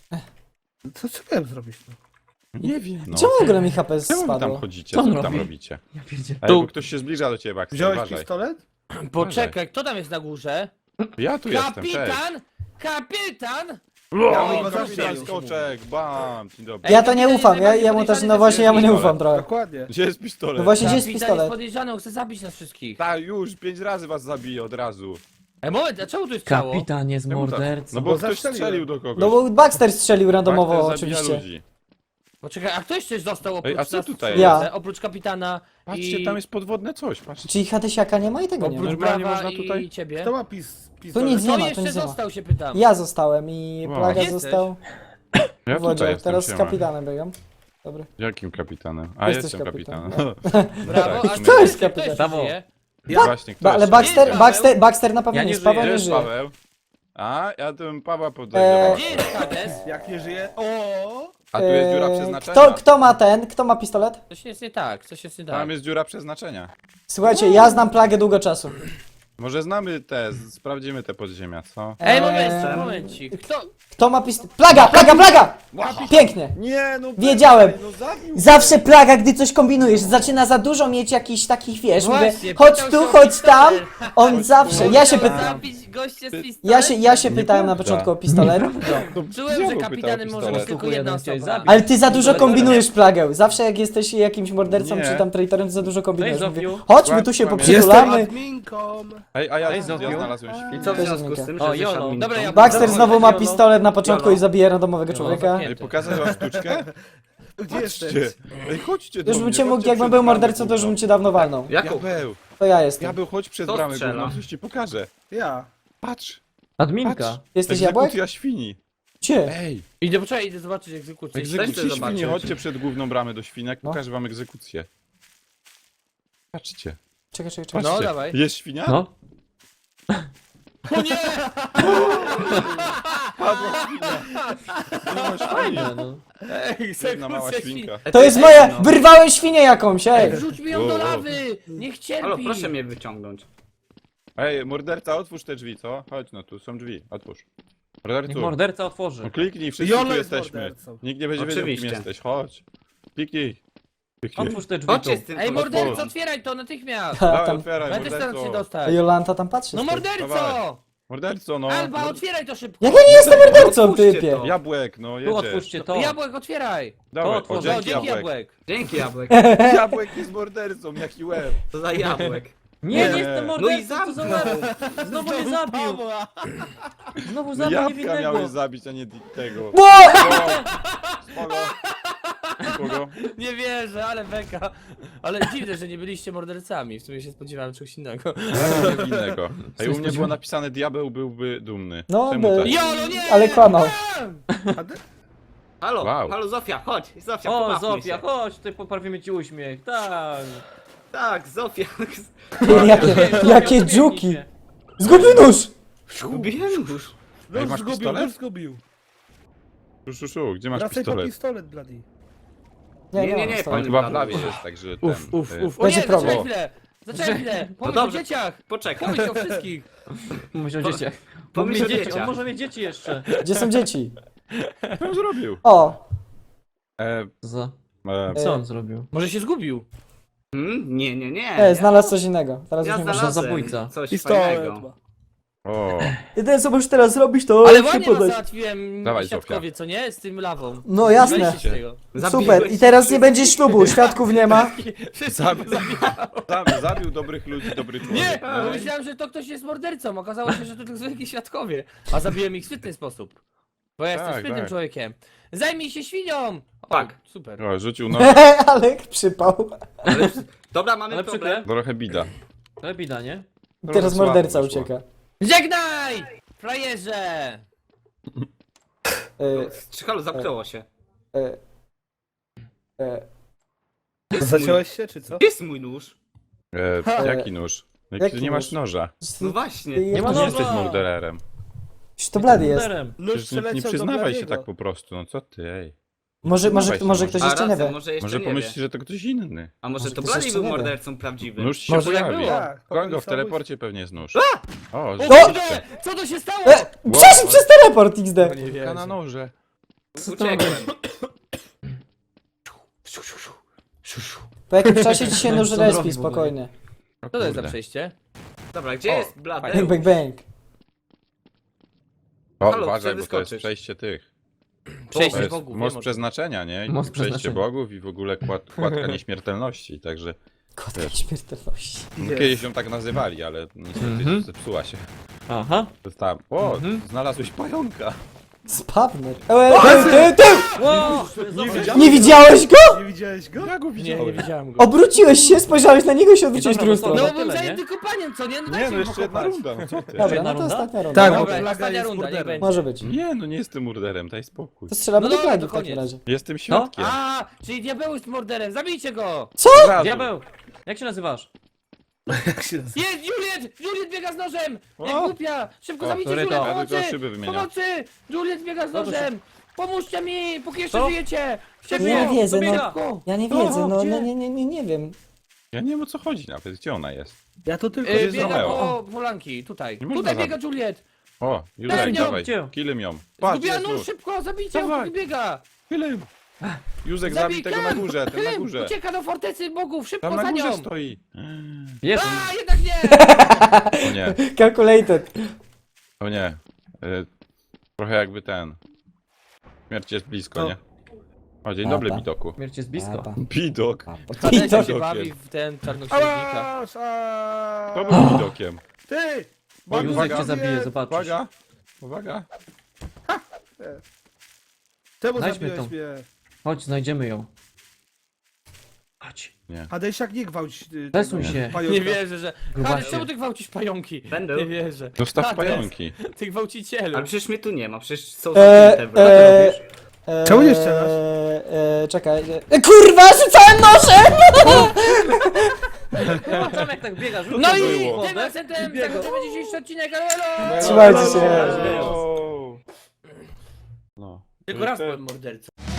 Speaker 6: Co miałem zrobić? No?
Speaker 3: Nie wiem, no.
Speaker 2: Czemu w ogóle mi HP
Speaker 3: Czemu wy tam
Speaker 2: spadło?
Speaker 3: chodzicie?
Speaker 5: Co
Speaker 3: Co
Speaker 5: on
Speaker 3: wy tam
Speaker 5: robi?
Speaker 3: robicie?
Speaker 5: Ja pierdzie.
Speaker 3: Ej, bo ktoś się zbliża do ciebie, Baxter,
Speaker 6: Wziąłeś
Speaker 3: uważaj.
Speaker 6: pistolet?
Speaker 1: Poczekaj, kto tam jest na górze?
Speaker 3: Ja tu jestem, cześć.
Speaker 1: Kapitan! Kapitan!
Speaker 6: Ja
Speaker 1: Oj,
Speaker 6: go
Speaker 1: kapitan
Speaker 6: zabiję.
Speaker 3: Skoczek, bam, dzień dobry.
Speaker 2: Ja to nie ufam, ja mu też, no właśnie, ja mu nie ufam trochę.
Speaker 6: Dokładnie.
Speaker 3: Gdzie jest pistolet?
Speaker 2: No właśnie, gdzie jest
Speaker 1: Kapitan jest
Speaker 2: pistolet?
Speaker 1: podejrzany, on chce zabić nas wszystkich.
Speaker 3: Tak, już, 5 razy was zabiję od razu.
Speaker 1: Ej, moment, a czemu tu jest ciało?
Speaker 5: Kapitan jest
Speaker 3: Czemu tak?
Speaker 5: mordercą.
Speaker 3: No bo
Speaker 6: Bo
Speaker 3: ktoś
Speaker 6: zastrzeliłem.
Speaker 3: strzelił do kogoś.
Speaker 2: No bo Baxter strzelił randomowo,
Speaker 3: Baxter zabija
Speaker 2: oczywiście.
Speaker 3: ludzi.
Speaker 1: Poczekaj, a ktoś coś został oprócz
Speaker 3: Ej, a co
Speaker 1: nas?
Speaker 3: tutaj
Speaker 2: Ja.
Speaker 1: Oprócz kapitana
Speaker 3: Patrzcie,
Speaker 1: i...
Speaker 3: tam jest podwodne coś, patrzcie.
Speaker 2: Czyli Hadesiaka nie ma i tego nie ma.
Speaker 1: Oprócz
Speaker 3: Normalnie
Speaker 1: Brawa
Speaker 3: można tutaj-
Speaker 1: i ciebie.
Speaker 6: Kto ma pistolet?
Speaker 2: nic nie
Speaker 1: Kto
Speaker 2: ma, to
Speaker 1: jeszcze
Speaker 2: nic nie ma.
Speaker 1: został, się pytam.
Speaker 2: Ja zostałem i
Speaker 3: Wow.
Speaker 2: Plaga
Speaker 1: Gdzie
Speaker 2: został
Speaker 3: Ja
Speaker 2: w wodzie.
Speaker 3: tutaj jestem,
Speaker 2: Teraz z
Speaker 3: siema.
Speaker 2: kapitanem biegam. Dobry.
Speaker 3: Jakim kapitanem? A,
Speaker 2: Jesteś
Speaker 3: jestem
Speaker 2: kapitan,
Speaker 3: kapitanem.
Speaker 1: Brawo,
Speaker 3: Tak,
Speaker 1: a
Speaker 3: w sumie.
Speaker 2: Kto jest
Speaker 1: kto
Speaker 2: kapitan?
Speaker 1: jeszcze żyje?
Speaker 3: Właśnie, kto
Speaker 2: Ale
Speaker 3: jeszcze?
Speaker 2: Baxter na pewno
Speaker 5: Ja
Speaker 2: nie
Speaker 5: nie
Speaker 2: jest, Paweł
Speaker 5: żyję.
Speaker 2: nie
Speaker 3: Jest
Speaker 2: żyje.
Speaker 3: Paweł. A, ja bym Pawła podejrzewał.
Speaker 1: Gdzie jest Hades?
Speaker 6: Jak nie żyje... O!
Speaker 3: A tu jest dziura przeznaczenia.
Speaker 2: Kto ma pistolet?
Speaker 1: Coś jest nie tak, coś jest nie tak.
Speaker 3: Tam jest dziura przeznaczenia.
Speaker 2: Słuchajcie, ja znam Plagę długo czasu.
Speaker 3: Może znamy te, sprawdzimy te podziemia, co?
Speaker 1: Ej, momencik.
Speaker 2: Kto ma pistolet? Plaga! Pięknie.
Speaker 3: Nie, no
Speaker 2: Wiedziałem.
Speaker 3: no zabił.
Speaker 2: Zawsze Plaga, gdy coś kombinujesz, zaczyna za dużo mieć jakichś takich, wiesz, mówię,
Speaker 1: Właśnie,
Speaker 2: chodź
Speaker 1: pytał
Speaker 2: tu,
Speaker 1: się o
Speaker 2: chodź tam,
Speaker 1: pistolet.
Speaker 2: on zawsze, ja się pytam,
Speaker 1: Zabić gościa z pistoletem?
Speaker 2: ja się pytałem na początku o pistolet,
Speaker 1: Czułem, że kapitanem może być tylko jedna
Speaker 5: Jeden chciałeś
Speaker 1: osoba.
Speaker 5: zabić.
Speaker 2: ale ty za dużo kombinujesz Plagę, zawsze jak jesteś jakimś mordercą
Speaker 3: Nie.
Speaker 2: czy tam traitorem, to za dużo kombinujesz,
Speaker 5: Cześć,
Speaker 2: mówię,
Speaker 5: Zofiu.
Speaker 2: chodź, my tu się
Speaker 3: Jestem
Speaker 2: poprzytulamy.
Speaker 6: Jestem adminką!
Speaker 3: Ej, a ja
Speaker 5: Ej, Zofiu.
Speaker 3: znalazłem
Speaker 4: I
Speaker 3: świn.
Speaker 4: co w
Speaker 2: Też
Speaker 4: związku z tym,
Speaker 5: O,
Speaker 4: że jesteś
Speaker 5: Jolo.
Speaker 4: adminką?
Speaker 1: Dobra, ja-
Speaker 2: Baxter znowu ma
Speaker 5: Jolo.
Speaker 2: pistolet na początku
Speaker 5: Jolo.
Speaker 2: i zabija randomowego człowieka.
Speaker 3: Ej, pokażę wam sztuczkę?
Speaker 6: Gdzie jesteś?
Speaker 3: Chodźcie. Ej, chodźcie do
Speaker 2: Już bym
Speaker 3: mnie,
Speaker 2: cię mógł,
Speaker 3: chodźcie
Speaker 2: jakbym
Speaker 3: przed
Speaker 2: był
Speaker 3: bramę
Speaker 2: mordercą, to już bym
Speaker 3: główną.
Speaker 2: cię dawno walnął.
Speaker 4: Jakub,
Speaker 3: Diabeł,
Speaker 2: To ja jestem.
Speaker 3: diabeł, chodź przed
Speaker 4: Kto
Speaker 3: bramę
Speaker 4: strzela?
Speaker 3: główną, coś ci pokażę.
Speaker 6: Ja.
Speaker 3: Patrz,
Speaker 5: Adminka.
Speaker 3: patrz.
Speaker 2: Jesteś jabłek?
Speaker 3: Egzekucja świni.
Speaker 2: Gdzie?
Speaker 3: Ej,
Speaker 1: Idę, poczekaj, idę zobaczyć egzekucję.
Speaker 3: egzekucja
Speaker 4: chcę zobaczyć.
Speaker 3: świni, chodźcie przed główną bramę do świnek,
Speaker 2: No.
Speaker 3: pokażę wam egzekucję. Patrzcie,
Speaker 2: Czekaj.
Speaker 3: patrzcie.
Speaker 1: No, dawaj.
Speaker 3: Jest świnia?
Speaker 5: No.
Speaker 1: O nie!
Speaker 3: Padła świnia. Nie ma świni.
Speaker 5: Fajne, no.
Speaker 3: Jedna mała
Speaker 1: Egzekucja
Speaker 3: świnka.
Speaker 2: To jest moja, wyrwałem świnię jakąś, ej!
Speaker 1: Wrzuć mi ją do lawy! Niech cierpi!
Speaker 4: Halo, proszę mnie wyciągnąć.
Speaker 3: Ej, morderca, otwórz te drzwi, co? Chodź no, tu są drzwi, otwórz.
Speaker 5: Niech
Speaker 3: Mordercu.
Speaker 5: morderca otworzy.
Speaker 3: No kliknij, wszyscy
Speaker 6: Jolo
Speaker 3: tu
Speaker 6: jest
Speaker 3: jesteśmy.
Speaker 6: mordercą.
Speaker 3: Nikt nie będzie wiedział, kim
Speaker 4: Oczywiście.
Speaker 3: jesteś. Chodź. Kliknij. Kliknij.
Speaker 5: Otwórz te drzwi tu.
Speaker 4: Chodźcie z tym
Speaker 1: Ej,
Speaker 3: Otwórz.
Speaker 1: morderco, otwieraj to natychmiast!
Speaker 3: Dawaj,
Speaker 2: Tam,
Speaker 3: otwieraj,
Speaker 1: Ja też staram się
Speaker 3: morderco.
Speaker 1: dostać.
Speaker 2: Jolanta tam patrzy.
Speaker 1: No
Speaker 2: stoi.
Speaker 1: morderco!
Speaker 3: Dawaj. Morderco, no.
Speaker 1: Alba, otwieraj to szybko!
Speaker 2: Jak ja nie jestem mordercą,
Speaker 4: Otwórzcie
Speaker 2: typie?
Speaker 4: to.
Speaker 3: Jabłek, no
Speaker 5: Tu
Speaker 3: jedziesz.
Speaker 5: otwórzcie to.
Speaker 1: Jabłek, otwieraj!
Speaker 3: Dawaj,
Speaker 5: To
Speaker 3: o,
Speaker 5: otworzę.
Speaker 1: No,
Speaker 3: dzięki
Speaker 1: dzięki
Speaker 3: jabłek.
Speaker 1: jabłek!
Speaker 4: Dzięki jabłek.
Speaker 3: Jabłek jest mordercą, jaki łeb.
Speaker 4: To za jabłek.
Speaker 5: Nie,
Speaker 3: Nie.
Speaker 5: nie jestem
Speaker 4: No i
Speaker 5: mordercą, co za
Speaker 4: zamknął.
Speaker 5: łeb. Znowu mnie zabił. Znowu
Speaker 3: No
Speaker 5: zabił
Speaker 3: jabłka
Speaker 5: niewinnego.
Speaker 3: miałeś zabić, a nie tego.
Speaker 2: Bo!
Speaker 3: Spoko. Kogo?
Speaker 1: Nie wierzę, ale beka. Ale dziwne, że nie byliście mordercami. W sumie się spodziewałem czegoś innego.
Speaker 3: Innego. A u mnie było napisane, diabeł byłby dumny.
Speaker 2: No,
Speaker 3: Czemu
Speaker 2: by-
Speaker 3: tak?
Speaker 1: Jolo, nie!
Speaker 2: Ale kłamał.
Speaker 4: Halo,
Speaker 3: Wow.
Speaker 4: halo Zofia, chodź. Zofia,
Speaker 5: O,
Speaker 4: pomachmy
Speaker 5: Zofia,
Speaker 4: się.
Speaker 5: chodź, tutaj poprawimy ci uśmiech. Tak.
Speaker 4: Tak, Zofia.
Speaker 2: Jakie
Speaker 5: Zofia,
Speaker 2: dżuki.
Speaker 5: się.
Speaker 2: Zgubił nóż!
Speaker 4: Zgubiłem już.
Speaker 3: Ej,
Speaker 6: Nóż
Speaker 3: masz
Speaker 6: zgubił,
Speaker 3: pistolet?
Speaker 6: nóż zgubił.
Speaker 3: Szu, gdzie masz
Speaker 6: Wracaj po
Speaker 3: pistolet?
Speaker 6: pistolet, bloody.
Speaker 4: Nie,
Speaker 2: mam
Speaker 4: nie,
Speaker 2: stoi.
Speaker 3: On chyba w lawie jest, także ten...
Speaker 1: O
Speaker 2: Będzie
Speaker 1: nie,
Speaker 2: problem.
Speaker 1: zaczekaj chwilę! Zaczekaj chwilę! Pomyśl o
Speaker 4: dobrze.
Speaker 1: dzieciach!
Speaker 4: Poczekaj.
Speaker 1: Pomyśl o wszystkich!
Speaker 5: Myśl o dzieciach.
Speaker 4: Pomyśl o
Speaker 5: dzieci,
Speaker 4: dzieciach.
Speaker 5: on może mieć dzieci jeszcze.
Speaker 2: Gdzie są dzieci?
Speaker 3: Co on zrobił?
Speaker 2: O!
Speaker 5: Za.
Speaker 3: E,
Speaker 5: Co on zrobił?
Speaker 1: Może się zgubił?
Speaker 4: Nie.
Speaker 2: Znalazł coś innego. Teraz
Speaker 4: Ja
Speaker 2: już nie można.
Speaker 4: znalazłem
Speaker 5: zabójca.
Speaker 4: coś
Speaker 6: Pistolet
Speaker 4: fajnego.
Speaker 6: ma.
Speaker 3: o,
Speaker 2: Jedyne co możesz teraz zrobić to
Speaker 1: Ale
Speaker 2: się
Speaker 1: ładnie was
Speaker 2: podać.
Speaker 1: załatwiłem
Speaker 3: Dawaj,
Speaker 1: świadkowie, co nie? Z tym lawą.
Speaker 2: No jasne.
Speaker 1: Weźcie z tego.
Speaker 2: Super. I teraz nie będzie ślubu, świadków nie ma.
Speaker 3: zabił dobrych ludzi, dobry człowiek.
Speaker 1: Nie!
Speaker 3: No.
Speaker 1: Bo myślałem, że to ktoś jest mordercą. Okazało się, że to tylko zwykli świadkowie. A zabiłem ich w świetny sposób. Bo ja jestem
Speaker 3: Tak,
Speaker 1: sprytnym
Speaker 3: tak.
Speaker 1: człowiekiem. Zajmij się świnią! O,
Speaker 4: Tak.
Speaker 1: Super.
Speaker 3: O, rzucił no,
Speaker 2: Ale przypał.
Speaker 4: Dobra, mamy
Speaker 5: Ale
Speaker 4: problem.
Speaker 5: przykre.
Speaker 3: trochę bida.
Speaker 5: Ale bida, nie?
Speaker 2: Teraz
Speaker 3: słabo
Speaker 2: morderca
Speaker 3: wyszło.
Speaker 2: ucieka.
Speaker 1: Żegnaj! Frajerze!
Speaker 4: Halo, zamknęło się.
Speaker 2: E, e,
Speaker 6: Zaciąłeś się, czy co?
Speaker 4: Gdzie jest mój nóż?
Speaker 3: Jaki nóż?
Speaker 2: Jaki
Speaker 3: Nie masz
Speaker 2: nóż?
Speaker 3: noża.
Speaker 4: No właśnie.
Speaker 2: Nie
Speaker 5: ma
Speaker 3: Nie
Speaker 5: noża.
Speaker 3: jesteś mordererem.
Speaker 2: to blady jest.
Speaker 5: Morderem.
Speaker 6: Nóż
Speaker 3: Przecież nie
Speaker 6: przeleciał do
Speaker 3: przyznawaj się
Speaker 6: Bladiego.
Speaker 3: tak po prostu, no co ty, ej.
Speaker 2: Może ktoś
Speaker 4: A
Speaker 2: jeszcze nie
Speaker 4: racja,
Speaker 2: wie.
Speaker 4: może jeszcze
Speaker 3: Może
Speaker 4: nie
Speaker 3: pomyślisz,
Speaker 4: wie.
Speaker 3: że to ktoś inny.
Speaker 4: A może
Speaker 2: Może
Speaker 4: to
Speaker 2: ktoś
Speaker 4: Blady
Speaker 2: jeszcze
Speaker 4: był
Speaker 2: nie wie.
Speaker 4: mordercą prawdziwym?
Speaker 3: Nóż się
Speaker 1: Może tak
Speaker 3: pojawi.
Speaker 1: było.
Speaker 6: Tak,
Speaker 3: Kogo w
Speaker 6: samobójstwo.
Speaker 3: teleporcie pewnie jest nóż. O,
Speaker 1: O
Speaker 3: rzeczywiście.
Speaker 1: kurde! Co to się stało?
Speaker 2: Przeszedł przez teleport XD.
Speaker 1: Nie
Speaker 3: Ka na noże.
Speaker 4: Uciekłem.
Speaker 2: Po jakimś czasie ci się nóż
Speaker 5: Co on
Speaker 2: respi,
Speaker 5: robi w ogóle?
Speaker 2: spokojnie.
Speaker 3: O,
Speaker 1: Co to jest za
Speaker 3: kurde.
Speaker 1: przejście?
Speaker 4: Dobra, gdzie
Speaker 3: O,
Speaker 4: jest Blady?
Speaker 2: Bang, bang, bang.
Speaker 3: O,
Speaker 4: Halo,
Speaker 3: uważaj,
Speaker 4: chcę
Speaker 3: bo to jest
Speaker 4: wyskoczyć.
Speaker 3: przejście tych.
Speaker 1: Przejście
Speaker 3: To jest
Speaker 1: bogów.
Speaker 3: most
Speaker 1: wiem,
Speaker 3: przeznaczenia, nie? I
Speaker 5: Most
Speaker 3: przejście
Speaker 5: przeznaczenia.
Speaker 3: bogów i w ogóle kładka nieśmiertelności, także...
Speaker 2: Kotka
Speaker 3: Wiesz.
Speaker 2: śmiertelności.
Speaker 3: No,
Speaker 6: Jest.
Speaker 3: kiedyś ją tak nazywali, ale niestety
Speaker 5: Mhm.
Speaker 3: zepsuła się.
Speaker 5: Aha.
Speaker 3: Została... O,
Speaker 5: Mhm.
Speaker 3: znalazłeś pająka.
Speaker 2: Spawner.
Speaker 5: Wow,
Speaker 2: Nie widziałeś go?
Speaker 6: Nie widziałeś go?
Speaker 3: Ja go
Speaker 1: Nie, nie
Speaker 3: widziałem.
Speaker 1: widziałem go.
Speaker 2: Obróciłeś się, spojrzałeś na niego i się odwróciłeś w
Speaker 5: Dobra,
Speaker 2: drugą
Speaker 5: bo to-
Speaker 2: stronę.
Speaker 1: No byłem
Speaker 5: tyle,
Speaker 1: zajęty kopaniem, co nie? No
Speaker 3: Nie,
Speaker 1: dajcie
Speaker 3: no
Speaker 1: mi
Speaker 3: jeszcze jedna
Speaker 1: pokopać.
Speaker 3: runda, no co ty?
Speaker 2: Dobra,
Speaker 5: jedna
Speaker 2: no to
Speaker 5: runda?
Speaker 2: ostatnia runda.
Speaker 6: Tak,
Speaker 2: No,
Speaker 6: bo
Speaker 1: Dobra,
Speaker 6: Plaga
Speaker 1: ostatnia
Speaker 6: jest
Speaker 1: runda, niech
Speaker 6: morderem.
Speaker 1: będzie.
Speaker 2: może być.
Speaker 3: Nie, no nie jestem murderem, daj spokój.
Speaker 2: To strzelamy
Speaker 1: No
Speaker 2: do
Speaker 1: dobra,
Speaker 2: plagi
Speaker 1: to
Speaker 2: w takim
Speaker 1: koniec.
Speaker 2: razie.
Speaker 3: Jestem świadkiem.
Speaker 1: A, czyli diabeł jest morderem, zabijcie go!
Speaker 3: Od razu.
Speaker 5: Diabeł! Jak się nazywasz?
Speaker 6: Jak się nazywa?
Speaker 1: Jest, Juliet! Juliet biega z nożem!
Speaker 3: O!
Speaker 1: Jak głupia! Szybko
Speaker 3: O,
Speaker 1: zabijcie
Speaker 5: sorry,
Speaker 1: Juliet,
Speaker 5: to.
Speaker 3: Ja
Speaker 1: pomocy!
Speaker 3: tylko szyby wymieniam.
Speaker 1: Pomocy! Juliet biega z
Speaker 5: No to
Speaker 1: nożem! Pomóżcie mi, póki jeszcze
Speaker 5: Co?
Speaker 1: żyjecie!
Speaker 2: Ja nie wiedzę,
Speaker 5: dobiega.
Speaker 2: no. Ja nie wiedzę, no,
Speaker 5: gdzie?
Speaker 2: nie wiem.
Speaker 3: Ja nie wiem o co chodzi nawet, gdzie ona jest.
Speaker 6: Ja to tylko
Speaker 3: jest
Speaker 1: Biega
Speaker 3: Romeo.
Speaker 1: po polanki, tutaj.
Speaker 3: Nie można
Speaker 1: Tutaj
Speaker 3: zabić.
Speaker 1: biega Juliet!
Speaker 3: O, już
Speaker 1: Daj
Speaker 3: daj,
Speaker 1: ją,
Speaker 3: dawaj,
Speaker 5: gdzie?
Speaker 3: killem ją. Patrz,
Speaker 1: Zgubiła
Speaker 3: jest
Speaker 1: nóż,
Speaker 3: nóż.
Speaker 1: szybko, zabijcie ją,
Speaker 3: Dawaj.
Speaker 1: póki biega!
Speaker 3: Killem. Józek, zabij tego na górze, ten na
Speaker 1: Klym,
Speaker 3: górze.
Speaker 1: ucieka do fortecy bogów, szybko
Speaker 3: Tam na
Speaker 1: za
Speaker 3: górze
Speaker 1: nią!
Speaker 3: stoi.
Speaker 5: Jest.
Speaker 1: A, jednak nie!
Speaker 3: O nie,
Speaker 2: Calculated.
Speaker 3: o nie. Trochę jakby ten. Śmierć jest blisko,
Speaker 6: No.
Speaker 3: nie? O, dzień dobry,
Speaker 2: Papa.
Speaker 3: Bidoku.
Speaker 5: Śmierć jest blisko.
Speaker 3: Bidok.
Speaker 1: Tadesia się
Speaker 3: Widokiem.
Speaker 1: bawi w ten czarnoksiężnika.
Speaker 6: Ała,
Speaker 3: To był Bidokiem.
Speaker 6: Ty!
Speaker 3: Oj,
Speaker 5: Józek
Speaker 3: uwaga,
Speaker 5: cię zabije, zobaczysz.
Speaker 3: Uwaga, uwaga.
Speaker 6: Czemu
Speaker 5: Znajdźmy
Speaker 6: zabiłeś
Speaker 5: tą.
Speaker 6: mnie?
Speaker 5: Chodź, znajdziemy ją. Chodź.
Speaker 6: Hadesiak, nie gwałć
Speaker 5: Zesuń
Speaker 6: tego
Speaker 5: się.
Speaker 6: pająka.
Speaker 1: Nie wierzę, że...
Speaker 5: Grubasie.
Speaker 1: Hades, czemu ty gwałcisz pająki?
Speaker 4: Będę.
Speaker 1: Nie wierzę.
Speaker 3: Dostaw
Speaker 1: Hades,
Speaker 3: pająki.
Speaker 1: Ty gwałcicielu.
Speaker 4: Ale przecież mnie tu nie ma, przecież są
Speaker 2: Eee,
Speaker 4: zamknięte wrota.
Speaker 6: Czemu nie strzelasz?
Speaker 2: Czekaj. Kurwa, rzucałem nożem!
Speaker 5: Zobaczmy jak tak biega, rzuć
Speaker 1: No
Speaker 5: go
Speaker 1: i
Speaker 5: do
Speaker 1: tym
Speaker 5: wody.
Speaker 1: akcentem zakończymy dzisiejszy odcinek, elo!
Speaker 2: Trzymajcie się.
Speaker 3: No.
Speaker 1: Tylko raz byłem mordercą.